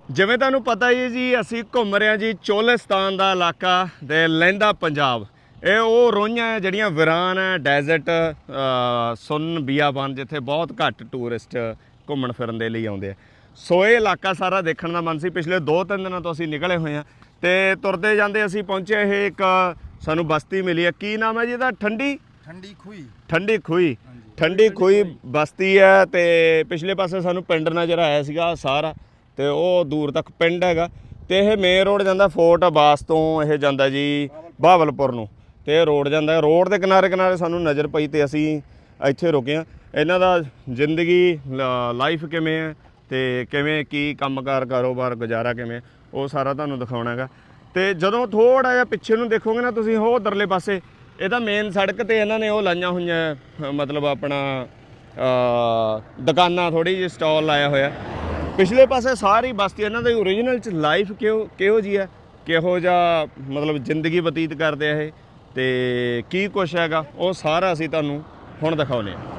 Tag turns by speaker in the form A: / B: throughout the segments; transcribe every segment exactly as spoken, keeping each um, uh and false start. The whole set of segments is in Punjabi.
A: ਜਿਵੇਂ ਤੁਹਾਨੂੰ ਪਤਾ ਹੀ ਹੈ ਜੀ, ਅਸੀਂ ਘੁੰਮ ਰਹੇ ਹਾਂ ਜੀ ਚੋਲਿਸਤਾਨ ਦਾ ਇਲਾਕਾ ਤੇ ਲਹਿੰਦਾ ਪੰਜਾਬ। ਇਹ ਉਹ ਰੋਈਆਂ ਹੈ ਜਿਹੜੀਆਂ ਵੀਰਾਨ ਹੈ, ਡੈਜ਼ਰਟ ਸੁੰਨ ਬੀਆਬਾਨ, ਜਿੱਥੇ ਬਹੁਤ ਘੱਟ ਟੂਰਿਸਟ ਘੁੰਮਣ ਫਿਰਨ ਦੇ ਲਈ ਆਉਂਦੇ ਆ। ਸੋ ਇਹ ਇਲਾਕਾ ਸਾਰਾ ਦੇਖਣ ਦਾ ਮਨ ਸੀ। ਪਿਛਲੇ ਦੋ ਤਿੰਨ ਦਿਨਾਂ ਤੋਂ ਅਸੀਂ ਨਿਕਲੇ ਹੋਏ ਹਾਂ ਤੇ ਤੁਰਦੇ ਜਾਂਦੇ ਅਸੀਂ ਪਹੁੰਚੇ ਇਹ ਇੱਕ ਸਾਨੂੰ ਬਸਤੀ ਮਿਲੀ ਹੈ। ਕੀ ਨਾਮ ਹੈ ਜੀ ਇਹਦਾ? ਠੰਡੀ
B: ਠੰਡੀ ਖੂਹੀ
A: ਠੰਡੀ ਖੂਹੀ ਠੰਡੀ ਖੂਹੀ ਬਸਤੀ ਹੈ। ਤੇ ਪਿਛਲੇ ਪਾਸੇ ਸਾਨੂੰ ਪਿੰਡ ਨਜ਼ਰ ਆਇਆ ਸੀਗਾ ਸਾਰਾ, ਤੇ ਉਹ ਦੂਰ ਤੱਕ ਪਿੰਡ ਹੈਗਾ। ਤੇ ਇਹ ਮੇਨ ਰੋਡ ਜਾਂਦਾ ਫੋਰਟ ਅਬਾਸ ਤੋਂ, ਇਹ ਜਾਂਦਾ ਜੀ ਬਹਾਵਲਪੁਰ ਨੂੰ। ਤੇ ਇਹ ਰੋਡ ਜਾਂਦਾ, ਰੋਡ ਦੇ ਕਿਨਾਰੇ ਕਿਨਾਰੇ ਸਾਨੂੰ ਨਜ਼ਰ ਪਈ ਤੇ ਅਸੀਂ ਇੱਥੇ ਰੁਕੇ ਹਾਂ। ਇਹਨਾਂ ਦਾ ਜ਼ਿੰਦਗੀ ਲਾਈਫ ਕਿਵੇਂ ਹੈ ਤੇ ਕਿਵੇਂ ਕੀ ਕੰਮਕਾਰ ਕਾਰੋਬਾਰ ਗੁਜ਼ਾਰਾ ਕਿਵੇਂ, ਉਹ ਸਾਰਾ ਤੁਹਾਨੂੰ ਦਿਖਾਉਣਾ ਹੈਗਾ। ਤੇ ਜਦੋਂ ਥੋੜ੍ਹਾ ਜਿਹਾ ਪਿੱਛੇ ਨੂੰ ਦੇਖੋਗੇ ਨਾ ਤੁਸੀਂ, ਉਹ ਉਧਰਲੇ ਪਾਸੇ ਇਹਦਾ ਮੇਨ ਸੜਕ ਤੇ ਇਹਨਾਂ ਨੇ ਉਹ ਲਾਈਆਂ ਹੋਈਆਂ, ਮਤਲਬ ਆਪਣਾ ਦੁਕਾਨਾਂ, ਥੋੜ੍ਹੀ ਜਿਹੀ ਸਟਾਲ ਲਾਇਆ ਹੋਇਆ। ਪਿਛਲੇ ਪਾਸੇ ਸਾਰੀ ਬਸਤੀ ਇਹਨਾਂ ਦੀ ਓਰੀਜਨਲ 'ਚ ਲਾਈਫ ਕਿਹੋ ਕਿਹੋ ਜਿਹੀ ਹੈ, ਕਿਹੋ ਜਿਹਾ ਮਤਲਬ ਜ਼ਿੰਦਗੀ ਬਤੀਤ ਕਰਦੇ ਆ ਇਹ, ਤੇ ਕੀ ਕੁਛ ਹੈਗਾ, ਉਹ ਸਾਰਾ ਅਸੀਂ ਤੁਹਾਨੂੰ ਹੁਣ ਦਿਖਾਉਂਦੇ ਹਾਂ।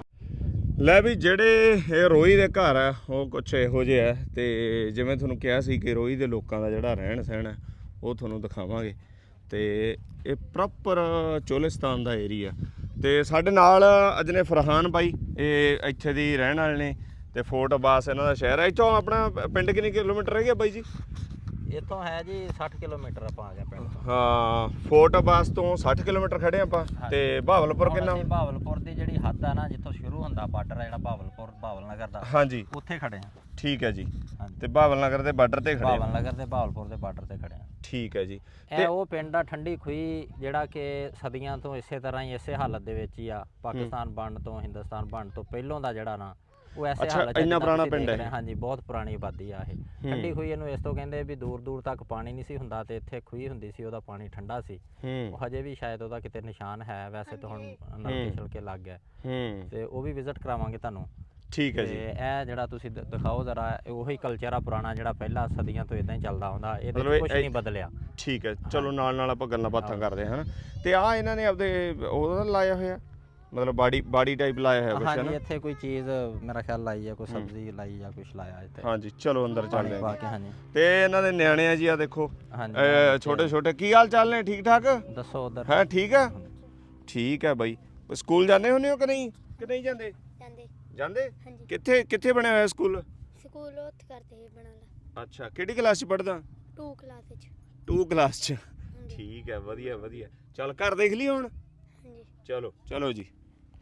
A: ਲੈ ਵੀ ਜਿਹੜੇ ਇਹ ਰੋਈ ਦੇ ਘਰ ਆ ਉਹ ਕੁਛ ਇਹੋ ਜਿਹੇ ਆ। ਤੇ ਜਿਵੇਂ ਤੁਹਾਨੂੰ ਕਿਹਾ ਸੀ ਕਿ ਰੋਈ ਦੇ ਲੋਕਾਂ ਦਾ ਜਿਹੜਾ ਰਹਿਣ ਸਹਿਣ ਹੈ ਉਹ ਤੁਹਾਨੂੰ ਦਿਖਾਵਾਂਗੇ। ਤੇ ਇਹ ਪ੍ਰੋਪਰ ਚੋਲਿਸਤਾਨ ਦਾ ਏਰੀਆ। ਤੇ ਸਾਡੇ ਨਾਲ ਅੱਜ ਨੇ ਫਰਹਾਨ ਬਾਈ, ਇਹ ਇੱਥੇ ਦੀ ਰਹਿਣ ਵਾਲੇ ਨੇ। ਤੇ ਫੋਰਟ ਅਬਾਸ ਇਹਨਾਂ ਦਾ ਸ਼ਹਿਰ ਹੈ। ਇੱਥੋਂ ਆਪਣਾ ਪਿੰਡ ਕਿੰਨੇ ਕਿਲੋਮੀਟਰ ਰਹਿ ਗਿਆ ਬਾਈ ਜੀ?
C: ਇੱਥੋਂ ਹੈ ਜੀ ਸੱਠ ਕਿਲੋਮੀਟਰ ਆਪਾਂ ਆ ਗਏ ਪਿੰਡ ਤੋਂ।
A: ਹਾਂ, ਫੋਰਟ ਅਬਾਸ ਤੋਂ ਸੱਠ ਕਿਲੋਮੀਟਰ ਖੜੇ ਆਪਾਂ। ਤੇ ਬਹਾਵਲਪੁਰ ਕਿੰਨਾ?
C: ਬਹਾਵਲਪੁਰ ਦੀ ਜਿਹੜੀ ਹੱਦ ਆ ਨਾ, ਜਿੱਥੋਂ ਸ਼ੁਰੂ ਹੁੰਦਾ ਬਾਰਡਰ ਆ ਜਿਹੜਾ ਬਹਾਵਲਪੁਰ ਬਹਾਵਲ ਨਗਰ ਦਾ,
A: ਹਾਂਜੀ,
C: ਉੱਥੇ ਖੜੇ ਆ।
A: ਠੀਕ ਹੈ ਜੀ। ਤੇ ਬਹਾਵਲ ਨਗਰ ਦੇ ਬਾਰਡਰ ਤੇ ਖੜੇ ਆ?
C: ਬਹਾਵਲ ਨਗਰ ਤੇ ਬਹਾਵਲਪੁਰ ਦੇ ਬਾਰਡਰ ਤੇ ਖੜੇ ਆ।
A: ਠੀਕ ਹੈ ਜੀ।
C: ਇਹ ਉਹ ਪਿੰਡ ਆ ਠੰਡੀ ਖੂਹੀ, ਜਿਹੜਾ ਕਿ ਸਦੀਆਂ ਤੋਂ ਇਸੇ ਤਰ੍ਹਾਂ ਹੀ ਇਸੇ ਹਾਲਤ ਦੇ ਵਿੱਚ ਹੀ ਆ। ਪਾਕਿਸਤਾਨ ਬਣਨ ਤੋਂ, ਹਿੰਦੁਸਤਾਨ ਬਣਨ ਤੋਂ ਪਹਿਲੋਂ ਦਾ ਜਿਹੜਾ ਨਾ ਉਹ ਐਸੇ ਹਾਲਤ 'ਚ।
A: ਇੰਨਾ ਪੁਰਾਣਾ ਪਿੰਡ ਹੈ?
C: ਹਾਂਜੀ, ਬਹੁਤ ਪੁਰਾਣੀ ਆਬਾਦੀ ਆ ਇਹ ਠੰਡੀ ਖੂਹੀ। ਇਹਨੂੰ ਇਸ ਤੋਂ ਕਹਿੰਦੇ ਵੀ ਦੂਰ ਦੂਰ ਤੱਕ ਪਾਣੀ ਨਹੀਂ ਸੀ ਹੁੰਦਾ, ਤੇ ਇੱਥੇ ਖੂਹੀ ਹੁੰਦੀ ਸੀ, ਉਹਦਾ ਪਾਣੀ ਠੰਡਾ ਸੀ। ਉਹ ਹਜੇ ਵੀ ਸ਼ਾਇਦ ਉਹਦਾ ਕਿਤੇ ਨਿਸ਼ਾਨ ਹੈ, ਵੈਸੇ ਤਾਂ ਹੁਣ ਨਲਕੇ ਛਿਲਕੇ ਲੱਗ ਗਿਆ। ਤੇ ਉਹ ਵੀ ਵਿਜ਼ਿਟ ਕਰਾਵਾਂਗੇ ਤੁਹਾਨੂੰ।
A: ਠੀਕ ਹੈ ਜੀ।
C: ਤੇ ਇਹ ਜਿਹੜਾ ਤੁਸੀਂ ਦਿਖਾਓ ਜ਼ਰਾ, ਉਹੀ ਕਲਚਰ ਆ ਪੁਰਾਣਾ ਜਿਹੜਾ ਪਹਿਲਾਂ ਸਦੀਆਂ ਤੋਂ ਇਦਾਂ ਹੀ ਚੱਲਦਾ ਆਉਂਦਾ, ਇਹਦੇ ਵਿੱਚ ਕੁਝ ਨਹੀਂ ਬਦਲਿਆ।
A: ਠੀਕ ਹੈ, ਚਲੋ ਨਾਲ ਨਾਲ ਆਪਾਂ ਗੱਲਾਂ ਬਾਤਾਂ ਕਰਦੇ ਹਾਂ। ਤੇ ਆ ਇਹਨਾਂ ਨੇ ਆਪਦੇ ਉਹਦਾ ਲਾਇਆ ਹੋਇਆ, ਮਤਲਬ ਬਾੜੀ ਬਾੜੀ ਟਾਈਪ ਲਾਇਆ ਹੋਇਆ ਕੁਛ?
C: ਹਾਂਜੀ, ਇੱਥੇ ਕੋਈ ਚੀਜ਼ ਮੇਰਾ ਖਿਆਲ ਲਾਈ ਆ, ਕੋਈ ਸਬਜ਼ੀ ਲਾਈ ਜਾਂ ਕੁਛ ਲਾਇਆ ਇੱਥੇ।
A: ਹਾਂਜੀ, ਚਲੋ ਅੰਦਰ ਚੱਲਦੇ ਹਾਂ।
C: ਹਾਂਜੀ।
A: ਤੇ ਇਹਨਾਂ ਦੇ ਨਿਆਣੇ ਆ ਜੀ, ਆ ਦੇਖੋ
C: ਹਾਂਜੀ,
A: ਛੋਟੇ ਛੋਟੇ। ਕੀ ਹਾਲ ਚਾਲ ਨੇ? ਠੀਕ ਠਾਕ?
C: ਦੱਸੋ ਉਧਰ
A: ਹੈ? ਠੀਕ ਹੈ, ਠੀਕ ਹੈ ਬਾਈ। ਸਕੂਲ ਜਾਂਦੇ ਹੁੰਦੇ ਹੋ ਕਿ ਨਹੀਂ? ਕਿ ਨਹੀਂ ਜਾਂਦੇ?
D: ਜਾਂਦੇ
A: ਜਾਂਦੇ?
D: ਹਾਂਜੀ।
A: ਕਿੱਥੇ ਕਿੱਥੇ ਬਣਿਆ ਹੋਇਆ ਸਕੂਲ?
D: ਸਕੂਲ ਉੱਥੇ ਕਰਦੇ ਹੀ ਬਣਾਉਂਦਾ।
A: ਅੱਛਾ, ਕਿਹੜੀ ਕਲਾਸ 'ਚ ਪੜ੍ਹਦਾ?
D: ਟੂ ਕਲਾਸ ਵਿੱਚ।
A: ਟੂ ਕਲਾਸ 'ਚ?
D: ਹਾਂਜੀ।
A: ਠੀਕ ਹੈ, ਵਧੀਆ ਵਧੀਆ। ਚੱਲ ਘਰ ਦੇਖ ਲਈ ਹੁਣ?
D: ਹਾਂਜੀ।
A: ਚਲੋ ਚਲੋ ਜੀ।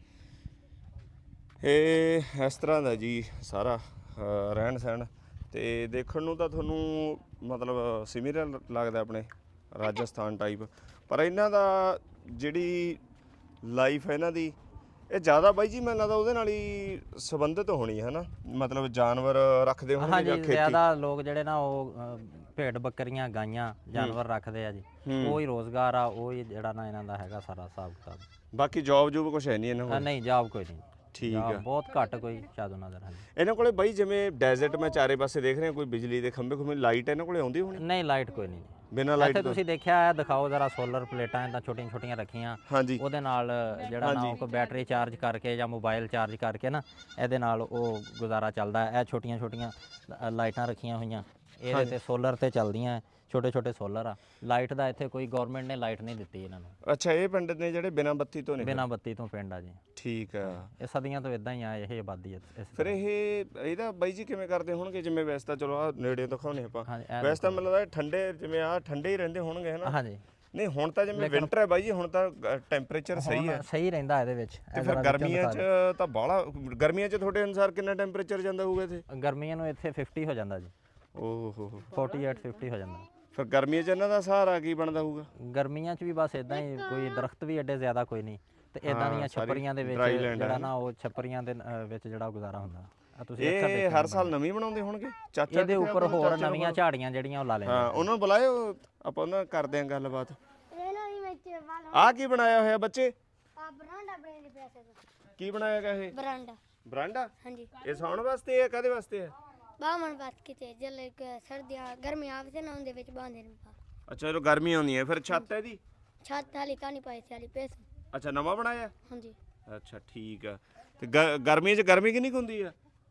A: ਇਹ ਇਸ ਤਰ੍ਹਾਂ ਦਾ ਜੀ ਸਾਰਾ ਰਹਿਣ ਸਹਿਣ। ਤੇ ਦੇਖਣ ਨੂੰ ਤਾਂ ਤੁਹਾਨੂੰ ਮਤਲਬ ਸਿਮੀਲਰ ਲੱਗਦਾ ਆਪਣੇ ਰਾਜਸਥਾਨ ਟਾਈਪ, ਪਰ ਇਹਨਾਂ ਦਾ ਜਿਹੜੀ ਲਾਈਫ ਹੈ ਇਹਨਾਂ ਦੀ, ਇਹ ਜ਼ਿਆਦਾ ਬਾਈ ਜੀ ਮੈਨੂੰ ਲੱਗਦਾ ਉਹਦੇ ਨਾਲ ਹੀ ਸੰਬੰਧਿਤ ਹੋਣੀ ਹੈ ਨਾ, ਮਤਲਬ ਜਾਨਵਰ ਰੱਖਦੇ ਹੋਣਗੇ ਜਾਂ
C: ਹਾਂਜੀ।
A: ਖੇਤੀ?
C: ਜ਼ਿਆਦਾ ਲੋਕ ਜਿਹੜੇ ਨਾ ਉਹ ਭੇਡ ਬੱਕਰੀਆਂ, ਗਾਈਆਂ, ਜਾਨਵਰ ਰੱਖਦੇ ਆ ਜੀ। ਉਹ ਹੀ ਰੋਜ਼ਗਾਰ ਆ, ਉਹ ਹੀ ਜਿਹੜਾ ਨਾ ਇਹਨਾਂ ਦਾ ਹੈਗਾ ਸਾਰਾ ਹਿਸਾਬ ਕਿਤਾਬ।
A: ਬਾਕੀ ਜੌਬ ਜੂਬ ਕੁਛ ਹੈ ਨਹੀਂ ਇਹਨਾਂ ਕੋਲ?
C: ਨਹੀਂ, ਜੌਬ ਕੋਈ ਨਹੀਂ।
A: ਠੀਕ ਆ,
C: ਬਹੁਤ ਘੱਟ ਕੋਈ ਸ਼ਾਇਦ ਉਹਨਾਂ ਦਾ।
A: ਇਹਨਾਂ ਕੋਲੇ ਬਾਈ ਜਿਵੇਂ ਡੈਜ਼ਰਟ ਮੈਂ ਚਾਰੇ ਪਾਸੇ ਦੇਖ ਰਿਹਾ, ਕੋਈ ਬਿਜਲੀ ਦੇ ਖੰਭੇ ਖੁੰਭੇ, ਲਾਈਟ ਇਹਨਾਂ ਕੋਲੇ ਆਉਂਦੀ ਹੋਣੀ?
C: ਨਹੀਂ, ਲਾਈਟ ਕੋਈ ਨਹੀਂ।
A: ਬਿਨਾਂ ਲਾਈਟ
C: ਇੱਥੇ ਤੁਸੀਂ ਦੇਖਿਆ ਹੈ, ਦਿਖਾਓ ਜ਼ਰਾ, ਸੋਲਰ ਪਲੇਟਾਂ ਇਦਾਂ ਛੋਟੀਆਂ ਛੋਟੀਆਂ ਰੱਖੀਆਂ।
A: ਹਾਂਜੀ।
C: ਉਹਦੇ ਨਾਲ ਜਿਹੜਾ ਨਾ ਕੋਈ ਬੈਟਰੀ ਚਾਰਜ ਕਰਕੇ ਜਾਂ ਮੋਬਾਈਲ ਚਾਰਜ ਕਰਕੇ ਨਾ, ਇਹਦੇ ਨਾਲ ਉਹ ਗੁਜ਼ਾਰਾ ਚੱਲਦਾ। ਇਹ ਛੋਟੀਆਂ ਛੋਟੀਆਂ ਲਾਈਟਾਂ ਰੱਖੀਆਂ ਹੋਈਆਂ, ਇਹਦੇ ਤੇ ਸੋਲਰ ਤੇ ਚੱਲਦੀਆਂ, ਛੋਟੇ ਛੋਟੇ ਸੋਲਰ ਆ। ਲਾਈਟ ਦਾ ਇੱਥੇ ਕੋਈ ਗਵਰਨਮੈਂਟ ਨੇ ਲਾਈਟ ਨਹੀਂ ਦਿੱਤੀ ਇਹਨਾਂ ਨੂੰ।
A: ਅੱਛਾ, ਇਹ ਪਿੰਡ ਨੇ ਜਿਹੜੇ ਬਿਨਾਂ ਬੱਤੀ ਤੋਂ ਨੇ?
C: ਬਿਨਾਂ ਬੱਤੀ ਤੋਂ ਪਿੰਡ ਆ ਜੀ।
A: ਠੀਕ ਆ।
C: ਇਹ ਸਦੀਆਂ ਤੋਂ ਇਦਾਂ ਹੀ ਆ, ਇਹ ਆਬਾਦੀ ਹੈ।
A: ਫਿਰ ਇਹ ਇਹਦਾ ਬਾਈ ਜੀ ਕਿਵੇਂ ਕਰਦੇ ਹੋਣਗੇ? ਜਿਵੇਂ ਵੈਸੇ ਤਾਂ ਚਲੋ ਆ ਨੇੜੇ ਦਿਖਾਉਣੇ ਆਪਾਂ,
C: ਹਾਂਜੀ, ਇਹ
A: ਵੈਸੇ ਤਾਂ ਮੈਨੂੰ ਲੱਗਦਾ ਠੰਡੇ, ਜਿਵੇਂ ਆ ਠੰਡੇ ਹੀ ਰਹਿੰਦੇ ਹੋਣਗੇ ਹੈ ਨਾ?
C: ਹਾਂਜੀ।
A: ਨਹੀਂ, ਹੁਣ ਤਾਂ ਜਿਵੇਂ ਵਿੰਟਰ ਹੈ ਬਾਈ ਜੀ, ਹੁਣ ਤਾਂ ਟੈਂਪਰੇਚਰ ਸਹੀ ਹੈ।
C: ਸਹੀ ਰਹਿੰਦਾ ਇਹਦੇ ਵਿੱਚ।
A: ਤੇ ਫਿਰ ਗਰਮੀਆਂ 'ਚ ਤਾਂ ਬਾਹਲਾ, ਗਰਮੀਆਂ 'ਚ ਤੁਹਾਡੇ ਅਨੁਸਾਰ ਕਿੰਨਾ ਟੈਂਪਰੇਚਰ ਜਾਂਦਾ ਹੋਊਗਾ ਇੱਥੇ?
C: ਗਰਮੀਆਂ ਨੂੰ ਇੱਥੇ ਪੈਂਤੀ ਹੋ ਜਾਂਦਾ ਜੀ।
A: ਓਹ ਹੋ ਹੋ,
C: ਅੜਤਾਲੀ ਪੈਂਤੀ ਹੋ ਜਾਂਦਾ।
A: ਫਿਰ ਗਰਮੀਆਂ 'ਚ ਇਹਨਾਂ ਦਾ ਸਹਾਰਾ ਕੀ ਬਣਦਾ ਹੋਊਗਾ?
C: ਗਰਮੀਆਂ 'ਚ ਵੀ ਬਸ ਇਦਾਂ ਹੀ, ਕੋਈ ਦਰਖਤ ਵੀ ਐਡੇ ਜ਼ਿਆਦਾ ਕੋਈ ਨਹੀਂ, ਤੇ ਇਦਾਂ ਦੀਆਂ ਛੱਪਰੀਆਂ ਦੇ ਵਿੱਚ ਜਿਹੜਾ ਨਾ ਉਹ ਛੱਪਰੀਆਂ ਦੇ ਵਿੱਚ ਜਿਹੜਾ ਗੁਜ਼ਾਰਾ ਹੁੰਦਾ। ਤੁਸੀਂ
A: ਇਹ ਹਰ ਸਾਲ ਨਵੀਂ ਬਣਾਉਂਦੇ ਹੋਣਗੇ? ਚਾਚਾ
C: ਇਹਦੇ ਉੱਪਰ ਹੋਰ ਨਵੀਆਂ ਝਾੜੀਆਂ ਜਿਹੜੀਆਂ ਉਹ ਲਾ ਲੈਂਦੇ।
A: ਹਾਂ, ਉਹਨਾਂ ਨੂੰ ਬੁਲਾਇਓ, ਆਪਾਂ ਉਹਨਾਂ ਨਾਲ ਕਰਦੇ ਆਂ ਗੱਲਬਾਤ।
D: ਇਹਨਾਂ ਦੀ ਵਿੱਚ ਵਾਲਾ
A: ਆਹ ਕੀ ਬਣਾਇਆ ਹੋਇਆ ਬੱਚੇ?
D: ਆ ਬਰਾਂਡਾ ਬਣੇ ਦੇ ਪੈਸੇ ਤੋਂ।
A: ਕੀ ਬਣਾਇਆ ਗਿਆ ਇਹ?
D: ਬਰਾਂਡਾ।
A: ਬਰਾਂਡਾ?
D: ਹਾਂਜੀ।
A: ਇਹ ਸੌਣ ਵਾਸਤੇ ਹੈ? ਕਾਹਦੇ ਵਾਸਤੇ ਹੈ?
D: ਬਾਹਮਣ ਬਾਤ ਕਿਤੇ ਜਲੇ ਸਰਦੀਆਂ ਗਰਮੀਆਂ ਆਵੇ ਤੇ ਨਾ ਉਹਦੇ ਵਿੱਚ ਬਾਂਦੇ ਨੇ।
A: ਅੱਛਾ, ਜਦੋਂ ਗਰਮੀ ਆਉਂਦੀ ਹੈ ਫਿਰ ਛੱਤ ਹੈ ਦੀ?
D: ਛੱਤ ਹਾਲੀ ਤਾਂ ਨਹੀਂ ਪਾਈ ਸੀ, ਹਾਲੀ ਪੈਸ।
A: ਅੱਛਾ, ਨਵਾਂ ਬਣਾਇਆ?
D: ਹਾਂਜੀ।
A: ਅੱਛਾ, ਠੀਕ ਆ। ਤੇ ਗ- ਗਰਮੀਆਂ 'ਚ ਗਰਮੀ ਕਿੰਨੀ ਕੁ ਹੁੰਦੀ ਆ?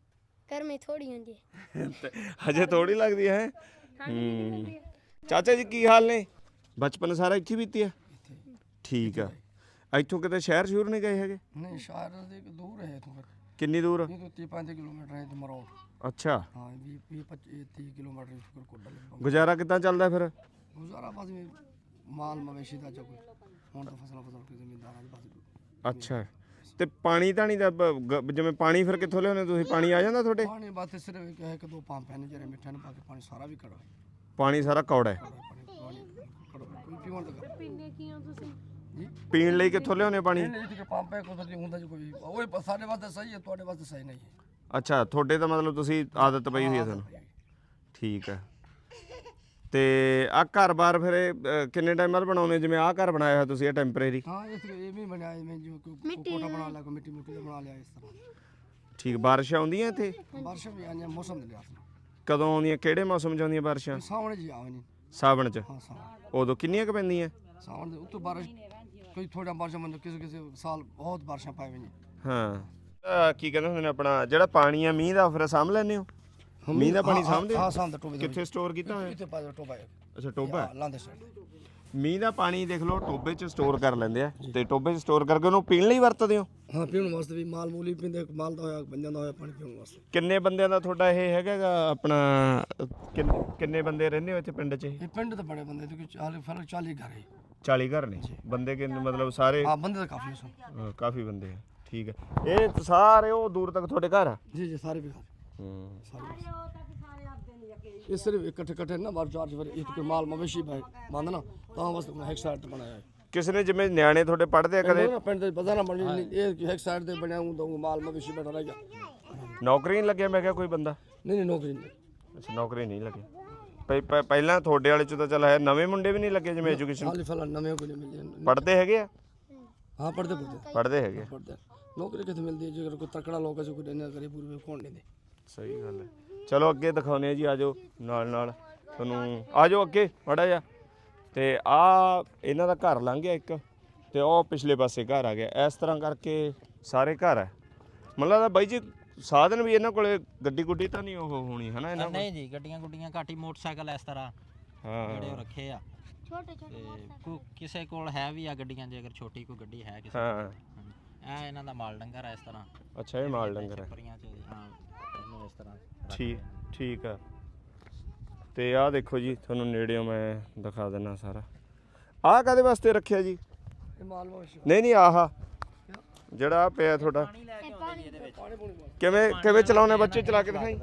D: ਗਰਮੀ ਥੋੜੀ ਹੁੰਦੀ ਹੈ।
A: ਤੇ ਹਜੇ ਥੋੜੀ ਲੱਗਦੀ ਹੈ ਹੂੰ ਚਾਚਾ ਜੀ ਕੀ ਹਾਲ ਨੇ ਬਚਪਨ ਸਾਰਾ ਇੱਥੇ ਬੀਤੀ ਆ ਠੀਕ ਆ ਇੱਥੋਂ ਕਿਤੇ ਸ਼ਹਿਰ ਸ਼ੁਰ ਨਹੀਂ ਗਏ ਹੈਗੇ
B: ਨਹੀਂ ਸ਼ਹਿਰ ਦੇ ਦੂਰ ਹੈ ਇਥੋਂ
A: ਕਿੰਨੀ ਦੂਰ
B: ਇਹ ਤੋਂ ਤੀਹ ਪੈਂਤੀ ਕਿਲੋਮੀਟਰ ਹੈ ਤੇ ਮਰੋੜ
A: ਅੱਛਾ
B: ਹਾਂ ਵੀਹ ਵੀਹ ਪੱਚੀ ਤੀਹ ਕਿਲੋਮੀਟਰ ਇਸ ਕੋਲ ਕੋਡਾ ਲੱਗਦਾ
A: ਗੁਜ਼ਾਰਾ ਕਿੱਦਾਂ ਚੱਲਦਾ ਫਿਰ
B: ਗੁਜ਼ਾਰਾ ਬਸ ਵੀ ਮਾਲ ਮਵੇਸ਼ੀ ਦਾ ਜੋ ਕੋਈ ਹੁਣ ਤਾਂ ਫਸਲਾਂ ਫਸਲ ਕੇ ਜ਼ਮੀਨਦਾਰਾਂ ਦੇ ਬਸ
A: ਅੱਛਾ ਤੇ ਪਾਣੀ ਤਾਂ ਨਹੀਂ ਦਾ ਬ- ਗ- ਜਿਵੇਂ ਪਾਣੀ ਫਿਰ ਕਿੱਥੋਂ ਲਿਆਉਂਦੇ ਤੁਸੀਂ ਪਾਣੀ ਆ ਜਾਂਦਾ ਤੁਹਾਡੇ
B: ਪਾਣੀ ਬਸ ਸਿਰਫ ਇੱਕ ਇੱਕ ਦੋ ਪੰਪ ਹਨ ਜਿਹੜੇ ਮਿੱਠੇ ਨੇ ਬਾਕੀ ਪਾਣੀ ਸਾਰਾ ਵੀ ਕੜਾ ਹੈ
A: ਪਾਣੀ ਸਾਰਾ ਕੌੜਾ ਹੈ
B: ਪਾਣੀ ਪਾਣੀ ਕੜਾ ਕੋਈ ਪੀਵਣ ਦਾ ਪੀਣੇ ਕੀ ਹੋ ਤੁਸੀਂ ਜੀ
A: ਪੀਣ ਲਈ ਕਿੱਥੋਂ ਲਿਆਉਂਦੇ ਪਾਣੀ
B: ਨਹੀਂ ਜਿੱਥੇ ਪੰਪ ਹੈ ਕੋਈ ਹੁੰਦਾ ਜੀ ਕੋਈ ਉਹ ਸਾਡੇ ਵਾਸਤੇ ਸਹੀ ਹੈ ਤੁਹਾਡੇ ਵਾਸਤੇ ਸਹੀ ਨਹੀਂ ਹੈ
A: ਅੱਛਾ ਤੁਹਾਡੇ ਤਾਂ ਮਤਲਬ ਤੁਸੀਂ ਆਦਤ ਪਈ ਹੋਈ ਹੈ ਤੁਹਾਨੂੰ ਠੀਕ ਹੈ ਤੇ ਆ ਘਰ-ਬਾਰ ਫਿਰ ਇਹ, ਅ, ਕਿੰਨੇ ਟਾਈਮ ਬਾਅਦ ਬਣਾਉਂਦੇ ਜਿਵੇਂ ਆਹ ਘਰ ਬਣਾਇਆ ਹੋਇਆ ਤੁਸੀਂ ਇਹ ਟੈਂਪਰੇਰੀ
B: ਹਾਂ ਇਸ ਇਹ ਵੀ ਬਣਾਇਆ ਜਿਵੇਂ ਜਿਵੇਂ ਕੋਈ ਕੋਠਾ ਬਣਾ ਲਿਆ ਕੋਈ ਮਿੱਟੀ ਮੁੱਟੀ ਦਾ ਬਣਾ ਲਿਆ ਇਸ ਤਰ੍ਹਾਂ
A: ਠੀਕ ਬਾਰਿਸ਼ਾਂ ਆਉਂਦੀਆਂ ਇੱਥੇ
B: ਬਾਰਿਸ਼ ਵੀ ਆਈਆਂ ਮੌਸਮ ਦੇ ਲਿਹਾਜ਼ ਨਾਲ
A: ਕਦੋਂ ਆਉਂਦੀਆਂ ਕਿਹੜੇ ਮੌਸਮ 'ਚ ਆਉਂਦੀਆਂ ਬਾਰਿਸ਼ਾਂ
B: ਸਾਵਣ ਜੀ ਆਵੇ ਨਹੀਂ
A: ਸਾਵਣ 'ਚ
B: ਹਾਂ ਸਾਵਣ
A: ਉਦੋਂ ਕਿੰਨੀਆਂ ਕੁ ਪੈਂਦੀਆਂ
B: ਸਾਵਣ ਦੇ ਉੱਤੋਂ ਬਾਰਿਸ਼ ਕੋਈ ਥੋੜਾ ਬਾਰਿਸ਼ਾਂ ਮੰਨ ਕਿਸੇ ਕਿਸੇ ਸਾਲ ਬਹੁਤ ਬਾਰਿਸ਼ਾਂ ਪਾਈ ਹੋਈਆਂ
A: ਹਾਂ ਅ, ਕੀ ਕਹਿੰਦੇ ਹੁੰਦੇ ਨੇ ਆਪਣਾ ਜਿਹੜਾ ਪਾਣੀ ਆ ਮੀਂਹ ਦਾ ਫਿਰ ਸਾਂਭ ਲੈਂਦੇ ਹੋ ਮੀਂਹ ਦਾ ਪਾਣੀ ਸਾਂਭਦੇ ਹੋ?
B: ਹਾਂ ਸਾਂਭਦੇ ਟੋਬੇ ਦੇ
A: ਕਿੱਥੇ ਸਟੋਰ ਕੀਤਾ ਹੋਇਆ
B: ਕਿੱਥੇ ਪਾ ਟੋਬਾ ਹੈ
A: ਅੱਛਾ ਟੋਬਾ ਹੈ।
B: ਲਾਂਦੇ ਸਾਈਡ
A: ਮੀਂਹ ਦਾ ਪਾਣੀ ਦੇਖ ਲਓ ਟੋਬੇ 'ਚ ਸਟੋਰ ਕਰ ਲੈਂਦੇ ਆ ਤੇ ਟੋਬੇ 'ਚ ਸਟੋਰ ਕਰਕੇ ਉਹਨੂੰ ਪੀਣ ਲਈ ਵਰਤਦੇ ਹੋ
B: ਹਾਂ ਪੀਣ ਵਾਸਤੇ ਵੀ ਮਾਲ ਮੂਲੀ ਪੀਂਦੇ ਮਾਲ ਦਾ ਹੋਇਆ ਬੰਜਾਂ ਦਾ ਹੋਇਆ ਪਾਣੀ ਪੀਣ ਵਾਸਤੇ
A: ਕਿੰਨੇ ਬੰਦਿਆਂ ਦਾ ਤੁਹਾਡਾ ਇਹ ਹੈਗਾ ਗਾ ਆਪਣਾ ਅ, ਕਿੰਨ- ਕਿੰਨੇ ਬੰਦੇ ਰਹਿੰਦੇ ਹੋ ਇੱਥੇ ਪਿੰਡ 'ਚ ਇਹ?
B: ਇਹ ਪਿੰਡ ਤਾਂ ਬੜੇ ਬੰਦੇ ਕਿਉਂਕਿ ਚਾਲੀ ਫਿਰ ਚਾਲੀ ਘਰ ਹੈ
A: ਚਾਲੀ ਘਰ ਨੇ ਬੰਦੇ ਕਿੰਨੇ ਮਤਲਬ ਸਾਰੇ
B: ਹਾਂ ਬੰਦੇ ਤਾਂ ਕਾਫੀ ਸਨ
A: ਅ, ਕਾਫੀ ਬੰਦੇ ਆ ਠੀਕ ਹੈ ਇਹ ਸਾਰੇ ਉਹ ਦੂਰ ਤੱਕ ਤੁਹਾਡੇ ਘਰ ਆ
B: ਜੀ ਜੀ ਸਾਰੇ ਵੀ
A: ਹੂੰ
B: ਸਾਰੇ ਇਹ ਸਿਰਫ ਇਕੱਠੇ ਇਕੱਠੇ ਨਾ ਬਾਰ ਚਾਰ ਫਿਰ ਇੱਕ ਮਾਲ ਮਵੇਸ਼ੀ ਬੰਦ ਨਾ ਤਾਂ ਬਸ ਇੱਕ ਸਾਈਡ ਤੇ ਬਣਾਇਆ ਹੈ
A: ਕਿਸੇ ਨੇ ਜਿਵੇਂ ਨਿਆਣੇ ਤੁਹਾਡੇ ਪੜ੍ਹਦੇ ਆ ਕਦੇ
B: ਕਦੇ ਪਿੰਡ ਦੇ ਪਤਾ ਨਾ ਬਣੀ ਇਹ ਇੱਕ ਸਾਈਡ ਤੇ ਬਣਿਆ ਹੁੰਦਾ ਮਾਲ ਮਵੇਸ਼ੀ ਬਣਾ ਰਹਿ ਗਿਆ
A: ਨੌਕਰੀ ਨਹੀਂ ਲੱਗਿਆ ਮੈਂ ਕਿਹਾ ਕੋਈ ਬੰਦਾ
B: ਨਹੀਂ ਨਹੀਂ ਨੌਕਰੀ ਨਹੀਂ
A: ਅੱਛਾ ਨੌਕਰੀ ਨਹੀਂ ਲੱਗੀ ਪਹਿ- ਪਹਿ- ਪਹਿਲਾਂ ਤੁਹਾਡੇ ਵਾਲੇ ਚ ਤਾਂ ਚੱਲ ਹੈ ਨਵੇਂ ਮੁੰਡੇ ਵੀ ਨਹੀਂ ਲੱਗੇ ਜਿਵੇਂ ਐਜੂਕੇਸ਼ਨ
B: ਹਾਲੀ ਫਿਲਹਾਲ ਨਵੇਂ ਕੋਈ ਨਹੀਂ ਮਿਲੇ
A: ਪੜ੍ਹਦੇ ਹੈਗੇ ਆ
B: ਹਾਂ ਪੜਦੇ ਪੜਦੇ
A: ਪੜ੍ਹਦੇ ਹੈਗੇ ਆ।
B: ਪੜਦੇ ਨੌਕਰੀ ਕਿੱਥੇ ਮਿਲਦੀ ਹੈ ਜੇ ਕੋਈ ਤਕੜਾ ਲੋਕ ਐਸੇ ਕੋਈ ਇੰਨਾ ਕਰੇ ਪੂਰੇ ਕੋਣ ਨਹੀਂ ਦੇ
A: ਸਹੀ ਗੱਲ ਹੈ ਚਲੋ ਅੱਗੇ ਦਿਖਾਉਂਦੇ ਆ ਜੀ ਆਜੋ ਨਾਲ ਨਾਲ ਤੁਹਾਨੂੰ ਆਜੋ ਅੱਗੇ ਮਾੜਾ ਜਿਹਾ ਤੇ ਆ ਇਹਨਾਂ ਦਾ ਘਰ ਲੰਘ ਗਿਆ ਇੱਕ ਤੇ ਉਹ ਪਿਛਲੇ ਪਾਸੇ ਘਰ ਆ ਗਿਆ ਇਸ ਤਰ੍ਹਾਂ ਕਰਕੇ ਸਾਰੇ ਘਰ ਹੈ ਮੈਨੂੰ ਲੱਗਦਾ ਬਾਈ ਜੀ ਸਾਧਨ ਵੀ ਇਹਨਾਂ ਕੋਲੇ ਗੱਡੀ ਗੁੱਡੀ ਤਾਂ ਨਹੀਂ ਉਹ ਹੋਣੀ ਹੈ ਨਾ ਇਹਨਾਂ ਕੋਲ
C: ਨਹੀਂ ਜੀ ਗੱਡੀਆਂ ਗੁੱਡੀਆਂ ਘੱਟ ਹੀ ਮੋਟਰਸਾਈਕਲ ਇਸ ਤਰ੍ਹਾਂ ਜਿਹੜੇ ਉਹ
A: ਹਾਂ
C: ਰੱਖੇ ਆ
D: ਛੋਟੇ ਛੋਟੇ
C: ਤੇ ਕੋ ਕਿਸੇ ਕੋਲ ਹੈ ਵੀ ਆ ਗੱਡੀਆਂ ਜੇ ਅਗਰ ਛੋਟੀ ਕੋਈ ਗੱਡੀ ਹੈ ਕਿਸੇ
A: ਹਾਂ
C: ਇਹ ਇਹਨਾਂ ਦਾ ਮਾਲ ਡੰਗਰ ਆ ਇਸ ਤਰ੍ਹਾਂ
A: ਅੱਛਾ ਇਹ ਮਾਲ ਡੰਗਰ ਹੈ
C: ਛੱਪਰੀਆਂ ਚ ਹਾਂ ਇਹਨੂੰ ਇਸ ਤਰ੍ਹਾਂ
A: ਠੀਕ ਠੀਕ ਆ ਤੇ ਆਹ ਦੇਖੋ ਜੀ ਤੁਹਾਨੂੰ ਨੇੜਿਓਂ ਮੈਂ ਦਿਖਾ ਦਿੰਦਾ ਸਾਰਾ ਆਹ ਕਾਦੇ ਵਾਸਤੇ ਰੱਖਿਆ ਜੀ
B: ਇਹ ਮਾਲ ਮਵੇਸ਼ੀ
A: ਨਹੀਂ ਨਹੀਂ ਆਹ ਜਿਹੜਾ ਆਹ ਪਿਆ ਤੁਹਾਡਾ
C: ਪਾਣੀ ਲੈ ਕੇ ਆਉਂਦੇ ਜੀ ਇਹਦੇ ਵਿੱਚ
B: ਪਾਣੀ ਪੂਣੀ
A: ਕਿਵੇਂ ਕਿਵੇਂ ਚਲਾਉਣੇ ਬੱਚੇ ਚਲਾ ਕੇ ਦਿਖਾਈ